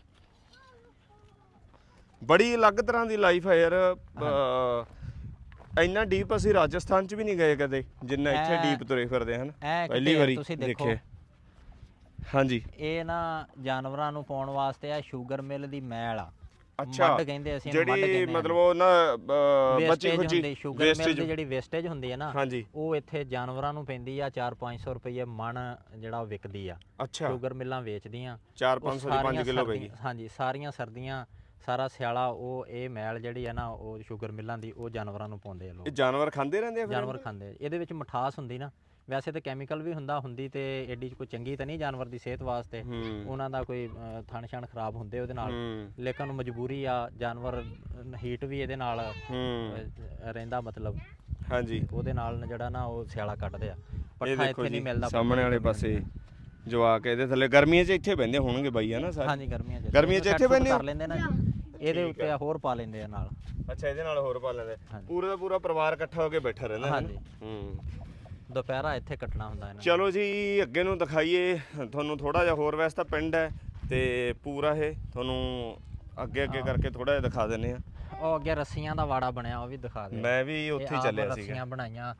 A: ਬੜੀ ਅਲੱਗ ਤਰ੍ਹਾਂ ਦੀ ਲਾਈਫ ਹੈ ਯਾਰ ਅਹ, ਇੰਨਾ ਡੀਪ ਅਸੀਂ ਰਾਜਸਥਾਨ ਚ ਵੀ ਨਹੀਂ ਗਏ ਕਦੇ ਜਿੰਨਾ ਇੱਥੇ
C: ਇਹ-
A: ਡੀਪ ਤੁਰੇ ਫਿਰਦੇ ਹਨ
C: ਇਹ
A: ਪਹਿਲੀ
C: ਕਿਤੇ
A: ਵਾਰੀ
C: ਤੁਸੀਂ ਦੇਖੋ
A: ਦੇਖਿਆ ਹਾਂਜੀ
C: ਇਹ ਨਾ ਜਾਨਵਰਾਂ ਨੂੰ ਪਾਉਣ ਵਾਸਤੇ ਆ ਸ਼ੂਗਰ ਮਿਲ ਦੀ ਮੈਲ ਆ
A: ਅੱਛਾ
C: ਮੱਡ ਕਹਿੰਦੇ ਅਸੀਂ ਇਹਨੂੰ, ਮੱਡ
A: ਜਿਹੜੀ
C: ਕਹਿੰਦੇ
A: ਮਤਲਬ ਉਹ ਨਾ ਅਹ, ਬਚੀ
C: ਵੇਸਟੇਜ
A: ਖੁਚੀ
C: ਹੁੰਦੀ ਸ਼ੂਗਰ ਮਿਲ ਦੀ
A: wastage,
C: ਜਿਹੜੀ ਵੇਸਟੇਜ ਹੁੰਦੀ ਹੈ ਨਾ
A: ਹਾਂਜੀ
C: ਉਹ ਇੱਥੇ ਜਾਨਵਰਾਂ ਨੂੰ ਪੈਂਦੀ ਆ ਚਾਰ ਪੰਜ ਸੌ ਰੁਪਏ ਮਣ ਜਿਹੜਾ ਉਹ ਵਿਕਦੀ ਆ
A: ਅੱਛਾ
C: ਸ਼ੂਗਰ ਮਿਲਾਂ ਵੇਚਦੀਆਂ
A: ਚਾਰ
C: ਉਹ
A: ਪੰਜ ਸੌ ਦੀ ਪੰਜ
C: ਸਾਰੀਆਂ
A: ਕਿਲੋ
C: ਸਰਦੀਆਂ-
A: ਪੈਗੀ
C: ਹਾਂਜੀ ਸਾਰੀਆਂ ਸਰਦੀਆਂ ਸਾਰਾ ਸਿਆਲਾ ਉਹ ਇਹ ਮੈਲ ਜਿਹੜੀ ਹੈ ਨਾ ਉਹ ਸ਼ੂਗਰ ਮਿਲਾਂ ਦੀ ਉਹ ਜਾਨਵਰਾਂ ਨੂੰ ਪਾਉਂਦੇ ਆ ਲੋਕ
A: ਇਹ ਜਾਨਵਰ ਖਾਂਦੇ ਰਹਿੰਦੇ ਆ ਫਿਰ
C: ਜਾਨਵਰ ਖਾਂਦੇ ਆ। ਇਹਦੇ ਵਿੱਚ ਮਿਠਾਸ ਹੁੰਦੀ ਨਾ ਵੈਸੇ ਤੇ ਕੈਮੀਕਲ ਵੀ ਹੁੰਦਾ ਹੁੰਦੀ ਤੇ ਐਡੀ ਕੋਈ ਚੰਗੀ ਤਾਂ ਨਹੀਂ ਜਾਨਵਰ ਦੀ ਸਿਹਤ ਵਾਸਤੇ, ਉਹਨਾਂ ਦਾ ਕੋਈ ਅ, ਥਣ ਛਣ ਖਰਾਬ ਹੁੰਦੇ ਉਹਦੇ ਨਾਲ, ਲੇਕਿਨ ਮਜਬੂਰੀ ਆ, ਜਾਨਵਰ ਹੀਟ ਵੀ ਇਹਦੇ ਨਾਲ ਅ, ਰਹਿੰਦਾ ਮਤਲਬ,
A: ਹਾਂਜੀ
C: ਉਹਦੇ ਨਾਲ ਜਿਹੜਾ ਨਾ ਉਹ ਸਿਆਲਾ ਕੱਢਦੇ ਆ।
A: ਇਹ
C: ਪੱਠਾ
A: ਦੇਖੋ
C: ਇੱਥੇ ਨਹੀਂ
A: ਜੀ
C: ਮਿਲਦਾ
A: ਸਾਹਮਣੇ ਵਾਲੇ ਪਾਸੇ ਜਵਾਕ ਇਹਦੇ ਥੱਲੇ ਗਰਮੀਆਂ 'ਚ ਇੱਥੇ ਬਹਿੰਦੇ ਹੋਣਗੇ ਬਾਈ ਹੈ ਨਾ ਸਾਰੇ?
C: ਹਾਂਜੀ ਗਰਮੀਆਂ 'ਚ
A: ਗਰਮੀਆਂ 'ਚ ਇੱਥੇ ਬਹਿੰਦੇ
C: ਕਰ ਲੈਂਦੇ ਨਾ ਜੀ, ਇਹਦੇ ਉੱਤੇ ਹੋਰ ਪਾ ਲੈਂਦੇ ਆ ਨਾਲ।
A: ਅੱਛਾ ਇਹਦੇ ਨਾਲ ਹੋਰ ਪਾ ਲੈਂਦੇ, ਪੂਰਾ ਦਾ ਪੂਰਾ ਪਰਿਵਾਰ ਇਕੱਠਾ ਹੋ ਕੇ ਬੈਠਾ ਰਹਿੰਦਾ ਹੈ
C: ਹਾਂਜੀ।
A: ਹੂੰ
C: ਦੁਪਹਿਰਾ ਇੱਥੇ ਕੱਟਣਾ ਹੁੰਦਾ ਇਹਨਾਂ
A: ਚਲੋ ਜੀ ਅੱਗੇ ਨੂੰ ਦਿਖਾਈਏ ਤੁਹਾਨੂੰ ਥੋੜਾ ਜਿਹਾ ਹੋਰ। ਵੈਸੇ ਤਾਂ ਪਿੰਡ ਹੈ ਤੇ ਪੂਰਾ ਇਹ ਤੁਹਾਨੂੰ ਅੱਗੇ ਅੱਗੇ ਕਰਕੇ ਥੋੜਾ ਜਿਹਾ ਦਿਖਾ ਦਿੰਨੇ ਆ।
C: ਉਹ ਅੱਗੇ ਰੱਸੀਆਂ ਦਾ ਵਾੜਾ ਬਣਿਆ ਉਹ ਵੀ ਦਿਖਾ ਦੇ।
A: ਮੈਂ ਵੀ ਉੱਥੇ ਹੀ ਚੱਲਿਆ ਸੀਗਾ।
C: ਰੱਸੀਆਂ ਬਣਾਈਆਂ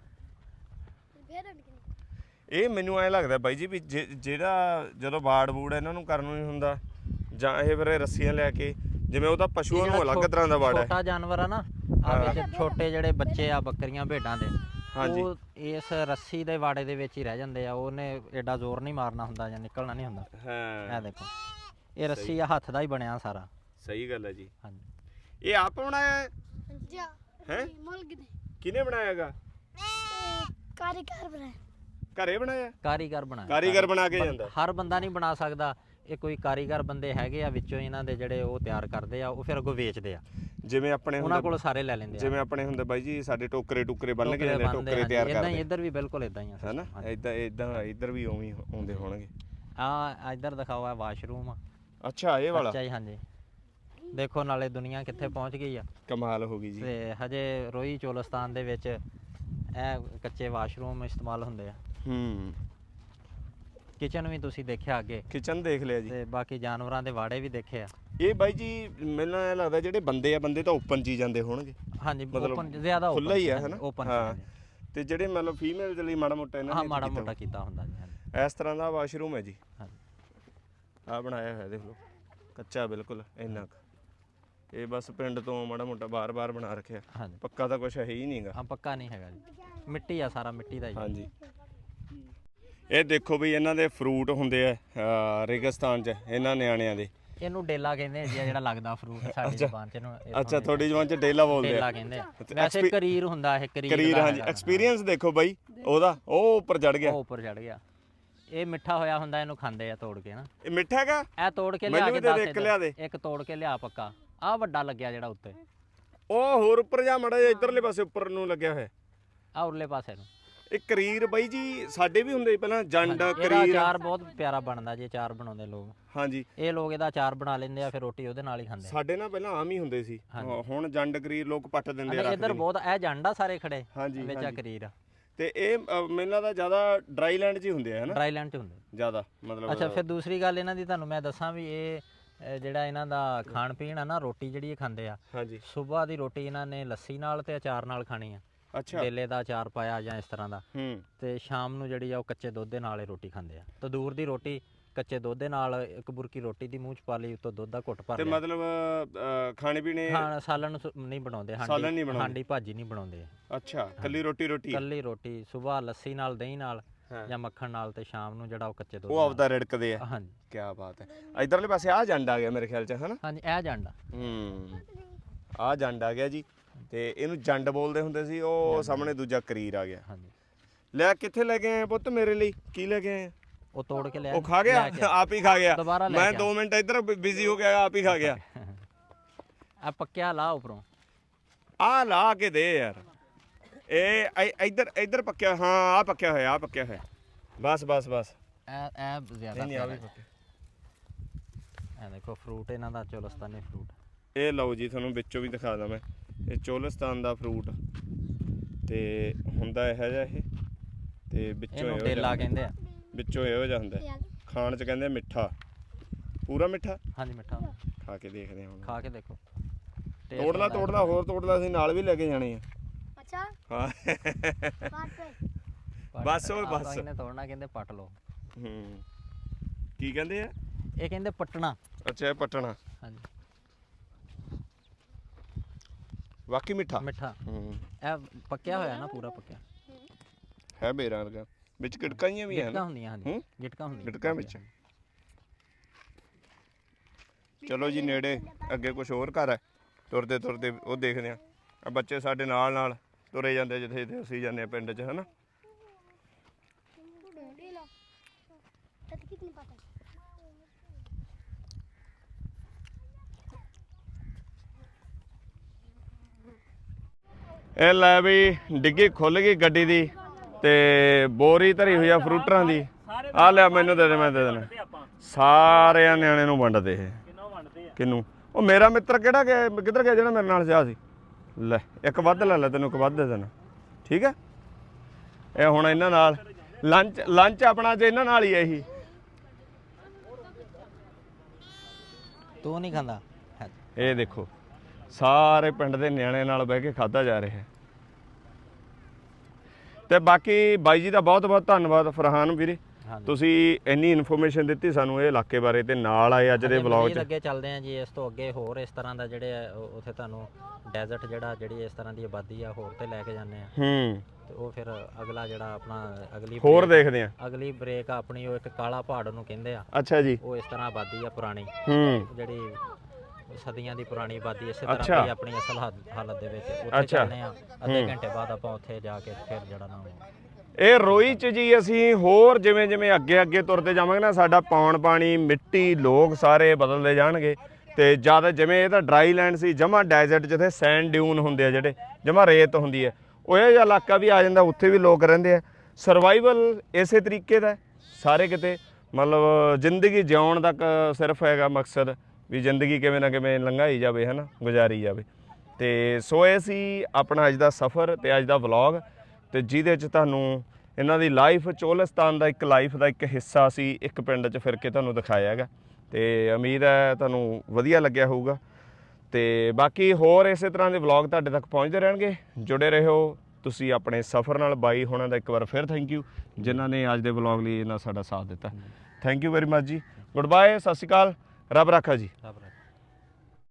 A: ਇਹ ਮੈਨੂੰ ਐਂ ਲੱਗਦਾ ਬਾਈ ਜੀ ਵੀ ਜੇ- ਜਿਹੜਾ ਜਦੋਂ ਬਾੜ ਬੂੜ ਇਹਨਾਂ ਨੂੰ ਕਰਨ ਨੂੰ ਨਹੀਂ ਹੁੰਦਾ ਜਾਂ ਇਹ ਫਿਰ ਰੱਸੀਆਂ ਲੈ ਕੇ, ਜਿਵੇਂ ਉਹਦਾ ਪਸ਼ੂਆਂ ਨੂੰ ਅਲੱਗ ਤਰ੍ਹਾਂ ਦਾ ਵਾੜਾ ਹੈ।
C: ਛੋਟਾ ਜਾਨਵਰ ਆ ਨਾ, ਆ ਵਿੱਚ ਛੋਟੇ ਜਿਹੜੇ ਬੱਚੇ ਆ ਬੱਕਰੀਆਂ ਭੇਡਾਂ ਦੇ,
A: ਹਾਂਜੀ।
C: ਉਹ ਇਸ ਰੱਸੀ ਦੇ ਵਾੜੇ ਦੇ ਵਿੱਚ ਹੀ ਰਹਿ ਜਾਂਦੇ ਆ। ਉਹਨੇ ਐਡਾ ਜ਼ੋਰ ਨਹੀਂ ਮਾਰਨਾ ਹੁੰਦਾ ਜਾਂ ਨਿਕਲਣਾ ਨਹੀਂ ਹੁੰਦਾ।
A: ਹਾਂ
C: ਇਹ ਦੇਖੋ ਇਹ ਰੱਸੀ ਆ ਹੱਥ ਦਾ ਹੀ ਬਣਿਆ ਸਾਰਾ।
A: ਸਹੀ ਗੱਲ ਹੈ ਜੀ।
C: ਹਾਂਜੀ
A: ਇਹ ਆਪ ਬਣਾਇਆ ਹੈ?
D: ਜਾ
A: ਹੈਂ?
D: ਮੁਲਕ ਦੇ
A: ਕਿਹਨੇ ਬਣਾਇਆ ਹੈਗਾ?
D: ਕਾਰੀਗਰ ਬਣਾਇਆ।
A: ਘਰੇ ਬਣਾਇਆ?
C: ਕਾਰੀਗਰ ਬਣਾਇਆ।
A: ਕਾਰੀਗਰ ਬਣਾ ਕੇ ਜਾਂਦਾ।
C: ਹਰ ਬੰਦਾ ਨਹੀਂ ਬਣਾ ਸਕਦਾ, ਇਹ ਕੋਈ ਕਾਰੀਗਰ ਬੰਦੇ ਹੈਗੇ ਆ ਵਿੱਚੋਂ ਇਹਨਾਂ ਦੇ ਜਿਹੜੇ ਉਹ ਤਿਆਰ ਕਰਦੇ ਆ, ਉਹ ਫਿਰ ਅੱਗੋਂ ਵੇਚਦੇ ਆ।
A: ਜਿਵੇਂ ਆਪਣੇ
C: ਉਹਨਾਂ
A: ਹੁੰਦੇ
C: ਕੋਲ ਸਾਰੇ ਲੈ ਲੈਂਦੇ ਆ।
A: ਜਿਵੇਂ ਆਪਣੇ ਹੁੰਦੇ ਬਾਈ ਜੀ ਸਾਡੇ ਟੋਕਰੇ ਟੁਕਰੇ ਬੰਨ ਕੇ ਜਾਂਦੇ,
C: ਬਣਦੇ
A: ਟੋਕਰੇ ਤਿਆਰ
C: ਇਦਾਂ ਹੀ
A: ਕਰਦੇ
C: ਇੱਧਰ ਵੀ ਬਿਲਕੁਲ ਇਦਾਂ ਹੀ ਆ
A: ਹੈਨਾ? ਇਦਾਂ ਇਦਾਂ ਇੱਧਰ ਵੀ ਉਵੇਂ ਹੀ ਆਉਂਦੇ ਹੋਣਗੇ।
C: ਆ ਇੱਧਰ ਦਿਖਾਓ ਆ ਵਾਸ਼ਰੂਮ।
A: ਅੱਛਾ ਇਹ ਵਾਲਾ?
C: ਅੱਛਾ ਜੀ ਹਾਂਜੀ। ਦੇਖੋ ਨਾਲੇ ਦੁਨੀਆ ਕਿੱਥੇ ਪਹੁੰਚ ਗਈ ਆ।
A: ਕਮਾਲ ਹੋ ਗਈ ਜੀ।
C: ਤੇ ਹਜੇ ਰੋਹੀ ਚੋਲਸਤਾਨ ਦੇ ਵਿੱਚ ਇਹ ਕੱਚੇ ਵਾਸ਼ਰੂਮ ਇਸਤੇਮਾਲ ਹੁੰਦੇ ਆ।
A: ਹੂੰ
C: ਕਿਚਨ ਵੀ ਤੁਸੀਂ ਦੇਖਿਆ ਅੱਗੇ,
A: ਕਿਚਨ ਦੇਖ ਲਿਆ ਜੀ।
C: ਤੇ ਬਾਕੀ ਜਾਨਵਰਾਂ ਦੇ ਵਾੜੇ ਵੀ ਦੇਖੇ ਆ।
A: ਇਹ ਬਾਈ ਜੀ ਮੈਨੂੰ ਐਂ ਲੱਗਦਾ ਜਿਹੜੇ ਬੰਦੇ ਆ ਬੰਦੇ ਤਾਂ ਓਪਨ ਚ ਹੀ ਜਾਂਦੇ ਹੋਣਗੇ।
C: ਹਾਂਜੀ
A: ਮਤਲਬ
C: ਓਪਨ ਜ਼ਿਆਦਾ
A: ਖੁੱਲ੍ਹਾ ਹੀ ਆ ਹੈਨਾ?
C: ਓਪਨ
A: ਹਾਂ ਤੇ ਜਿਹੜੇ ਮਤਲਬ ਫੀਮੇਲ ਦੇ ਲਈ ਮਾੜਾ ਮੋਟਾ ਇਹਨਾਂ
C: ਹਾਂ
A: ਨੇ
C: ਮਾੜਾ
A: ਕੀਤਾ
C: ਮੋਟਾ ਕੀਤਾ ਹੁੰਦਾ ਜੀ। ਹਾਂਜੀ
A: ਇਸ ਤਰ੍ਹਾਂ ਦਾ ਵਾਸ਼ਰੂਮ ਹੈ ਜੀ।
C: ਹਾਂਜੀ
A: ਆ ਬਣਾਇਆ ਹੋਇਆ ਦੇਖ ਲਓ, ਕੱਚਾ ਬਿਲਕੁਲ ਇੰਨਾ ਕੁ। ਇਹ ਬਸ ਪਿੰਡ ਤੋਂ ਮਾੜਾ ਮੋਟਾ ਬਾਰ-ਬਾਰ ਬਣਾ ਰੱਖਿਆ,
C: ਹਾਂਜੀ
A: ਪੱਕਾ ਤਾਂ ਕੁਝ ਹੈ ਹੀ ਨਹੀਂਗਾ।
C: ਹਾਂ ਪੱਕਾ ਨਹੀਂ ਹੈਗਾ ਜੀ, ਮਿੱਟੀ ਆ ਸਾਰਾ, ਮਿੱਟੀ ਦਾ ਹੀ।
A: ਹਾਂਜੀ ਇਹ ਦੇਖੋ ਵੀ ਇਹਨਾਂ ਦੇ ਫਰੂਟ ਹੁੰਦੇ ਆ ਅਹ ਰੇਗਿਸਤਾਨ 'ਚ ਇਹਨਾਂ ਨਿਆਣਿਆਂ ਦੇ।
C: ਇਹਨੂੰ ਡੇਲਾ ਕਹਿੰਦੇ ਆ ਜੀ, ਜਿਹੜਾ ਲੱਗਦਾ ਫਰੂਟ ਸਾਡੀ ਜ਼ੁਬਾਨ 'ਚ ਇਹਨੂੰ ਇੱਥੋਂ
A: ਅੱਛਾ ਤੁਹਾਡੀ ਜ਼ੁਬਾਨ 'ਚ ਡੇਲਾ ਬੋਲਦੇ
C: ਡੇਲਾ
A: ਆ?
C: ਕਹਿੰਦੇ ਆ। ਵੈਸੇ ਕਰੀਰ ਹੁੰਦਾ ਇਹ, ਕਰੀਰ
A: ਕਰੀਰ
C: ਦਾ
A: ਹਾਂਜੀ।
C: ਹੈਗਾ।
A: ਐਕਸਪੀਰੀਅੰਸ ਦੇਖੋ ਬਾਈ ਉਹਦਾ, ਉਹ ਉੱਪਰ ਚੜ ਗਿਆ।
C: ਉਹ ਉੱਪਰ ਚੜ ਗਿਆ। ਇਹ ਮਿੱਠਾ ਹੋਇਆ ਹੁੰਦਾ, ਇਹਨੂੰ ਖਾਂਦੇ ਆ ਤੋੜ ਕੇ ਨਾ।
A: ਇਹ ਮਿੱਠਾ ਹੈਗਾ?
C: ਇਹ ਤੋੜ ਕੇ ਲਿਆ
A: ਮੈਨੂੰ
C: ਕੇ
A: ਵੀ ਦੇ ਦੇ,
C: ਦੱਸ
A: ਇੱਕ ਲਿਆ ਦੇ।
C: ਇੱਕ ਤੋੜ ਕੇ ਲਿਆ ਪੱਕਾ। ਆਹ ਵੱਡਾ ਲੱਗਿਆ ਜਿਹੜਾ ਉੱਤੇ,
A: ਉਹ ਹੋਰ ਉੱਪਰ ਜਾ ਮੜਾ ਜਿਹਾ ਇੱਧਰਲੇ ਪਾਸੇ ਉੱਪਰ ਨੂੰ ਲੱਗਿਆ ਹੋਇਆ।
C: ਆਹ ਉਰਲੇ ਪਾਸੇ ਨੂੰ।
A: ਇਹ ਕਰੀਰ ਬਾਈ ਜੀ ਸਾਡੇ ਵੀ ਹੁੰਦੇ ਸੀ ਪਹਿਲਾਂ, ਜੰਡ
C: ਇਹਦਾ
A: ਕਰੀਰ।
C: ਅਚਾਰ ਬਹੁਤ ਪਿਆਰਾ ਬਣਦਾ ਜੀ, ਅਚਾਰ ਬਣਾਉਂਦੇ ਲੋਕ।
A: ਹਾਂਜੀ
C: ਇਹ ਲੋਕ ਇਹਦਾ ਅਚਾਰ ਬਣਾ ਲੈਂਦੇ ਆ, ਫਿਰ ਰੋਟੀ ਉਹਦੇ ਨਾਲ ਹੀ ਖਾਂਦੇ ਆ।
A: ਸਾਡੇ ਨਾਲ ਪਹਿਲਾਂ ਆਮ ਹੀ ਹੁੰਦੇ ਸੀ, ਹੁਣ ਜੰਡ ਕਰੀਰ ਲੋਕ ਪੱਟ ਦਿੰਦੇ ਆ।
C: ਇੱਧਰ ਬਹੁਤ ਇਹ ਜੰਡਾ ਸਾਰੇ ਖੜੇ
A: ਹਾਂਜੀ,
C: ਵਿੱਚ ਆ ਕਰੀਰ ਆ।
A: ਤੇ ਇਹ ਅ, ਮੈਨੂੰ ਲੱਗਦਾ ਜ਼ਿਆਦਾ ਡਰਾਈ ਲੈਂਡ 'ਚ ਹੀ ਹੁੰਦੇ ਆ ਹਨਾ?
C: ਡਰਾਈ ਲੈਂਡ 'ਚ ਹੁੰਦੇ
A: ਜ਼ਿਆਦਾ ਮਤਲਬ।
C: ਅੱਛਾ ਫਿਰ ਦੂਸਰੀ ਗੱਲ ਇਹਨਾਂ ਦੀ ਤੁਹਾਨੂੰ ਮੈਂ ਦੱਸਾਂ ਵੀ ਇਹ ਅ, ਜਿਹੜਾ ਇਹਨਾਂ ਦਾ ਖਾਣ ਪੀਣ ਆ ਨਾ, ਰੋਟੀ ਜਿਹੜੀ ਇਹ ਖਾਂਦੇ ਆ,
A: ਹਾਂਜੀ
C: ਸਵੇਰ ਦੀ ਰੋਟੀ ਇਹਨਾਂ ਨੇ ਲੱਸੀ ਨਾਲ ਤੇ ਅਚਾਰ ਨਾਲ ਖਾਣੀ ਆ।
A: ਅੱਛਾ
C: ਡੇਲੇ ਦਾ ਅਚਾਰ ਪਾਇਆ ਜਾਂ ਇਸ ਤਰ੍ਹਾਂ ਦਾ।
A: ਹੂੰ
C: ਤੇ ਸ਼ਾਮ ਨੂੰ ਜਿਹੜੀ ਆ ਉਹ ਕੱਚੇ ਦੁੱਧ ਦੇ ਨਾਲ ਹੀ ਰੋਟੀ ਖਾਂਦੇ ਆ। ਤੰਦੂਰ ਦੀ ਰੋਟੀ ਕੱਚੇ ਦੁੱਧ ਦੇ ਨਾਲ, ਇੱਕ ਬੁਰਕੀ ਰੋਟੀ ਦੀ ਮੂੰਹ ਚ ਪਾ ਲਈ, ਉੱਤੋਂ ਦੁੱਧ ਦਾ ਘੁੱਟ ਭਰ
A: ਤੇ
C: ਲਿਆ।
A: ਮਤਲਬ ਅ, ਖਾਣੇ ਪੀਣੇ
C: ਖਾਣ ਸਾਲਣ ਸੁ- ਨਹੀਂ ਬਣਾਉਂਦੇ,
A: ਸਾਲਣ ਨਹੀਂ
C: ਹਾਂਡੀ
A: ਬਣਾਉਂਦੇ।
C: ਹਾਂਡੀ ਭਾਜੀ ਨਹੀਂ ਬਣਾਉਂਦੇ।
A: ਅੱਛਾ ਕੱਲੀ ਰੋਟੀ ਰੋਟੀ
C: ਕੱਲੀ ਰੋਟੀ ਸਵੇਰ ਲੱਸੀ ਨਾਲ, ਦਹੀਂ ਨਾਲ
A: ਹਾਂ।
C: ਜਾਂ ਮੱਖਣ ਨਾਲ, ਤੇ ਸ਼ਾਮ ਨੂੰ ਜਿਹੜਾ ਉਹ ਕੱਚੇ ਦੁੱਧ
A: ਉਹ
C: ਨਾਲ।
A: ਆਪਦਾ ਰਿੜਕਦੇ ਆ।
C: ਹਾਂਜੀ
A: ਕੀ ਬਾਤ ਹੈ। ਇਧਰਲੇ ਪਾਸੇ ਆ ਜੰਡ ਆ ਗਿਆ ਮੇਰੇ ਖਿਆਲ 'ਚ ਹਨਾ?
C: ਹਾਂਜੀ ਇਹ ਜੰਡਾ।
A: ਹੂੰ ਆ ਜੰਡ ਆ ਗਿਆ ਜੀ, ਤੇ ਇਹਨੂੰ ਜੰਡ ਬੋਲਦੇ ਹੁੰਦੇ ਸੀ। ਉਹ ਸਾਹਮਣੇ ਦੂਜਾ ਕਰੀਰ ਆ ਗਿਆ।
C: ਹਾਂਜੀ
A: ਲੈ ਕਿੱਥੇ ਲੈ ਕੇ ਆਏ ਪੁੱਤ ਮੇਰੇ ਲਈ? ਕੀ ਲੈ ਕੇ ਆਏ?
C: ਉਹ ਤੋੜ ਕੇ ਲਿਆ।
A: ਉਹ ਖਾ ਗਿਆ? ਆਪ ਹੀ ਖਾ ਗਿਆ?
C: ਦੁਬਾਰਾ ਲੈ
A: ਮੈਂ
C: ਕੇ
A: ਦੋ ਮਿੰਟ ਇੱਧਰ ਬਿਜ਼ੀ ਹੋ ਗਿਆ, ਆਪ ਹੀ ਖਾ ਗਿਆ।
C: ਆ ਪੱਕਿਆ ਲਾ ਉੱਪਰੋਂ।
A: ਆ ਲਾ ਕੇ ਦੇ ਯਾਰ। ਇਹ ਇ- ਇੱਧਰ ਇੱਧਰ ਪੱਕਿਆ। ਹਾਂ ਆ ਪੱਕਿਆ ਹੋਇਆ, ਆ ਪੱਕਿਆ ਹੋਇਆ। ਬਸ ਬਸ ਬਸ
C: ਇਹ ਇਹ ਜ਼ਿਆਦਾ
A: ਨਹੀਂ ਆ ਵੀ
C: ਪਿਆਰਾ
A: ਪੱਕਿਆ।
C: ਹੈ। ਇਹ ਦੇਖੋ ਫਰੂਟ ਇਹਨਾਂ ਦਾ ਚੋਲਸਤਾਨੀ ਫਰੂਟ।
A: ਇਹ ਲਓ ਜੀ ਤੁਹਾਨੂੰ ਵਿੱਚੋਂ ਵੀ ਦਿਖਾ ਦਾਂ ਮੈਂ। ਇਹ ਚੋਲਸਤਾਨ ਦਾ ਫਰੂਟ ਤੇ ਹੁੰਦਾ ਇਹੋ ਜਿਹਾ ਇਹ, ਤੇ ਵਿੱਚੋਂ
C: ਇਹਨੂੰ
A: ਇਹੋ
C: ਡੇਲਾ
A: ਜਿਹਾ
C: ਕਹਿੰਦੇ ਆ।
A: ਵਿੱਚੋਂ ਇਹੋ ਜਿਹਾ ਹੁੰਦਾ। ਖਾਣ 'ਚ ਕਹਿੰਦੇ ਆ ਮਿੱਠਾ, ਪੂਰਾ ਮਿੱਠਾ।
C: ਹਾਂਜੀ ਮਿੱਠਾ ਹੁੰਦਾ।
A: ਖਾ ਕੇ ਦੇਖਦੇ ਹਾਂ ਹੁਣ।
C: ਖਾ ਕੇ ਦੇਖੋ।
A: ਤੋੜ ਲਾ ਤੋੜ ਲਾ, ਹੋਰ ਤੋੜ ਲਾ, ਅਸੀਂ ਨਾਲ ਵੀ ਲੈ ਕੇ ਜਾਣੇ ਆ।
D: ਅੱਛਾ
A: ਹਾਂ
C: ਪੱਟ-
A: ਬਸ ਉਹ
C: ਆਪਾਂ
A: ਬਸ।
C: ਇਹਨੇ ਤੋੜਨਾ, ਕਹਿੰਦੇ ਪੱਟ ਲਓ।
A: ਹੂੰ ਕੀ ਕਹਿੰਦੇ ਆ?
C: ਇਹ ਕਹਿੰਦੇ ਪੱਟਣਾ।
A: ਅੱਛਾ ਇਹ ਪੱਟਣਾ।
C: ਹਾਂਜੀ
A: ਵਾਕਈ ਮਿੱਠਾ।
C: ਮਿੱਠਾ।
A: ਹੂੰ
C: ਇਹ ਪੱਕਿਆ ਹੋਇਆ ਨਾ, ਪੂਰਾ ਪੱਕਿਆ।
A: ਹੈ ਮੇਰਾ ਵਰਗਾ। ਵਿੱਚ ਗਿਟਕਾਈਆਂ ਵੀ ਹਨ।
C: ਗਿਟਕਾਂ ਹੁੰਦੀਆਂ। ਹਾਂਜੀ
A: ਹੂੰ?
C: ਗਿਟਕਾਂ ਹੁੰਦੀਆਂ।
A: ਗਿਟਕਾਂ ਵਿੱਚ। ਚਲੋ ਜੀ ਨੇੜੇ ਅੱਗੇ ਕੁਝ ਹੋਰ ਘਰ ਹੈ, ਤੁਰਦੇ ਤੁਰਦੇ ਉਹ ਦੇਖਦੇ ਆ। ਆ ਬੱਚੇ ਸਾਡੇ ਨਾਲ ਨਾਲ ਤੁਰੇ ਜਾਂਦੇ ਜਿੱਥੇ ਜਿੱਥੇ ਅਸੀਂ ਜਾਂਦੇ ਆ ਪਿੰਡ 'ਚ ਹਨਾ। ਇਹ ਲੈ ਵੀ ਡਿੱਗੀ ਖੁੱਲ ਗਈ ਗੱਡੀ ਦੀ ਤੇ ਬੋਰੀ ਧਰੀ ਹੋਈ ਆ ਫਰੂਟਰਾਂ ਦੀ। ਆ ਲਿਆ ਮੈਨੂੰ ਦੇ ਦੇ, ਮੈਂ ਦੇ ਦੇਣਾ। ਸਾਰਿਆਂ ਨਿਆਣੇ ਨੂੰ ਵੰਡਦੇ ਇਹ। ਕਿਹਨੂੰ? ਉਹ ਮੇਰਾ ਮਿੱਤਰ ਕਿਹੜਾ ਗਿਆ, ਕਿੱਧਰ ਗਿਆ ਜਿਹੜਾ ਮੇਰੇ ਨਾਲ ਜਾ ਸੀ? ਲੈ ਇੱਕ ਵੱਧ ਲੈ ਲੈ, ਤੈਨੂੰ ਇੱਕ ਵੱਧ ਦੇ ਦੇਣਾ, ਠੀਕ ਹੈ। ਇਹ ਹੁਣ ਇਹਨਾਂ ਨਾਲ ਲੰਚ ਲੰਚ ਆਪਣਾ ਜੇ ਇਹਨਾਂ ਨਾਲ ਹੀ ਹੈ ਇਹੀ।
C: ਤੂੰ ਨਹੀਂ ਖਾਂਦਾ?
A: ਇਹ ਦੇਖੋ ਸਾਰੇ ਪਿੰਡ ਦੇ ਨਿਆਣੇ ਨਾਲ ਬਹਿ ਕੇ ਖਾਧਾ ਜਾ ਰਿਹਾ ਹੈ। ਤੇ ਬਾਕੀ ਬਾਈ ਜੀ ਦਾ ਬਹੁਤ ਬਹੁਤ ਧੰਨਵਾਦ ਫਰਹਾਨ ਵੀਰੇ, ਤੁਸੀਂ ਇੰਨੀ ਇਨਫੋਰਮੇਸ਼ਨ ਦਿੱਤੀ ਸਾਨੂੰ ਇਹ ਇਲਾਕੇ ਬਾਰੇ ਤੇ ਨਾਲ ਆਏ ਅੱਜ ਦੇ ਵਲੌਗ 'ਚ।
C: ਅੱਗੇ ਚੱਲਦੇ ਆ ਜੀ, ਇਸ ਤੋਂ ਅੱਗੇ ਹੋਰ ਇਸ ਤਰ੍ਹਾਂ ਦਾ ਜਿਹੜੇ ਆ ਉੱਥੇ ਤੁਹਾਨੂੰ ਡੈਜ਼ਰਟ ਜਿਹੜਾ ਜਿਹੜੀ ਇਸ ਤਰ੍ਹਾਂ ਦੀ ਆਬਾਦੀ ਆ ਹੋਰ ਤੇ ਲੈ ਕੇ ਜਾਂਦੇ ਆ।
A: ਹੂੰ
C: ਤੇ ਉਹ ਫਿਰ ਅਗਲਾ ਜਿਹੜਾ ਆਪਣਾ ਅਗਲੀ
A: ਹੋਰ ਦੇਖਦੇ ਆ।
C: ਅਗਲੀ ਬ੍ਰੇਕ ਆਪਣੀ ਉਹ ਇੱਕ ਕਾਲਾ ਪਹਾੜ ਨੂੰ ਕਹਿੰਦੇ ਆ।
A: ਅੱਛਾ ਜੀ।
C: ਉਹ ਇਸ ਤਰ੍ਹਾਂ ਆਬਾਦੀ ਆ ਪੁਰਾਣੀ,
A: ਹੂੰ
C: ਜਿਹੜੀ ਸਦੀਆਂ ਦੀ ਪੁਰਾਣੀ ਆਬਾਦੀ ਇਸੇ ਤਰ੍ਹਾਂ ਦੀ ਆਪਣੀ ਅਸਲ ਹਾਲ- ਹਾਲਤ ਦੇ ਵਿੱਚ ਉੱਥੇ ਚੱਲਦੇ ਆ। ਅੱਧੇ ਘੰਟੇ ਬਾਅਦ ਆਪਾਂ ਉੱਥੇ ਜਾ ਕੇ ਫਿਰ ਜਿਹੜਾ ਨਾ
A: ਇਹ ਰੋਈ 'ਚ ਜੀ ਅਸੀਂ ਹੋਰ ਜਿਵੇਂ ਜਿਵੇਂ ਅੱਗੇ ਅੱਗੇ ਤੁਰਦੇ ਜਾਵਾਂਗੇ ਨਾ, ਸਾਡਾ ਪੌਣ ਪਾਣੀ ਮਿੱਟੀ ਲੋਕ ਸਾਰੇ ਬਦਲਦੇ ਜਾਣਗੇ। ਤੇ ਜਦ ਜਿਵੇਂ ਇਹ ਤਾਂ ਡਰਾਈ ਲੈਂਡ ਸੀ, ਜਮਾ ਡੈਜ਼ਰਟ ਜਿੱਥੇ ਸੈਂਡ ਡਿਊਨ ਹੁੰਦੇ ਆ, ਜਿਹੜੇ ਜਮਾ ਰੇਤ ਹੁੰਦੀ ਹੈ, ਉਹ ਇਹ ਜਿਹਾ ਇਲਾਕਾ ਵੀ ਆ ਜਾਂਦਾ, ਉੱਥੇ ਵੀ ਲੋਕ ਰਹਿੰਦੇ ਆ। ਸਰਵਾਈਵਲ ਇਸੇ ਤਰੀਕੇ ਦਾ ਸਾਰੇ ਕਿਤੇ, ਮਤਲਬ ਜ਼ਿੰਦਗੀ ਜਿਉਣ ਤੱਕ ਸਿਰਫ ਹੈਗਾ ਮਕਸਦ ਵੀ ਜ਼ਿੰਦਗੀ ਕਿਵੇਂ ਨਾ ਕਿਵੇਂ ਲੰਘਾਈ ਜਾਵੇ, ਹੈ ਨਾ, ਗੁਜ਼ਾਰੀ ਜਾਵੇ। ਤੇ ਸੋ ਇਹ ਸੀ ਆਪਣਾ ਅੱਜ ਦਾ ਸਫ਼ਰ ਤੇ ਅੱਜ ਦਾ ਵਲੌਗ, ਤੇ ਜਿਹਦੇ 'ਚ ਤੁਹਾਨੂੰ ਇਹਨਾਂ ਦੀ ਲਾਈਫ, ਚੋਲਿਸਤਾਨ ਦਾ ਇੱਕ ਲਾਈਫ ਦਾ ਇੱਕ ਹਿੱਸਾ ਸੀ ਇੱਕ ਪਿੰਡ 'ਚ ਫਿਰ ਕੇ ਤੁਹਾਨੂੰ ਦਿਖਾਇਆ ਹੈਗਾ। ਤੇ ਉਮੀਦ ਹੈ ਤੁਹਾਨੂੰ ਵਧੀਆ ਲੱਗਿਆ ਹੋਊਗਾ। ਤੇ ਬਾਕੀ ਹੋਰ ਇਸੇ ਤਰ੍ਹਾਂ ਦੇ ਵਲੌਗ ਤੁਹਾਡੇ ਤੱਕ ਪਹੁੰਚਦੇ ਰਹਿਣਗੇ। ਜੁੜੇ ਰਹੋ ਤੁਸੀਂ ਆਪਣੇ ਸਫ਼ਰ ਨਾਲ। ਬਾਈ ਹੋਣਾ ਦਾ ਇੱਕ ਵਾਰ ਫਿਰ ਥੈਂਕ ਯੂ, ਜਿਨ੍ਹਾਂ ਨੇ ਅੱਜ ਦੇ ਵਲੌਗ ਲਈ ਇਹਨਾਂ ਸਾਡਾ ਸਾਥ ਦਿੱਤਾ। Thank you very much ji. Good bye, Sat Shri ਅਕਾਲ, ਰੱਬ ਰਾਖਾ ਜੀ।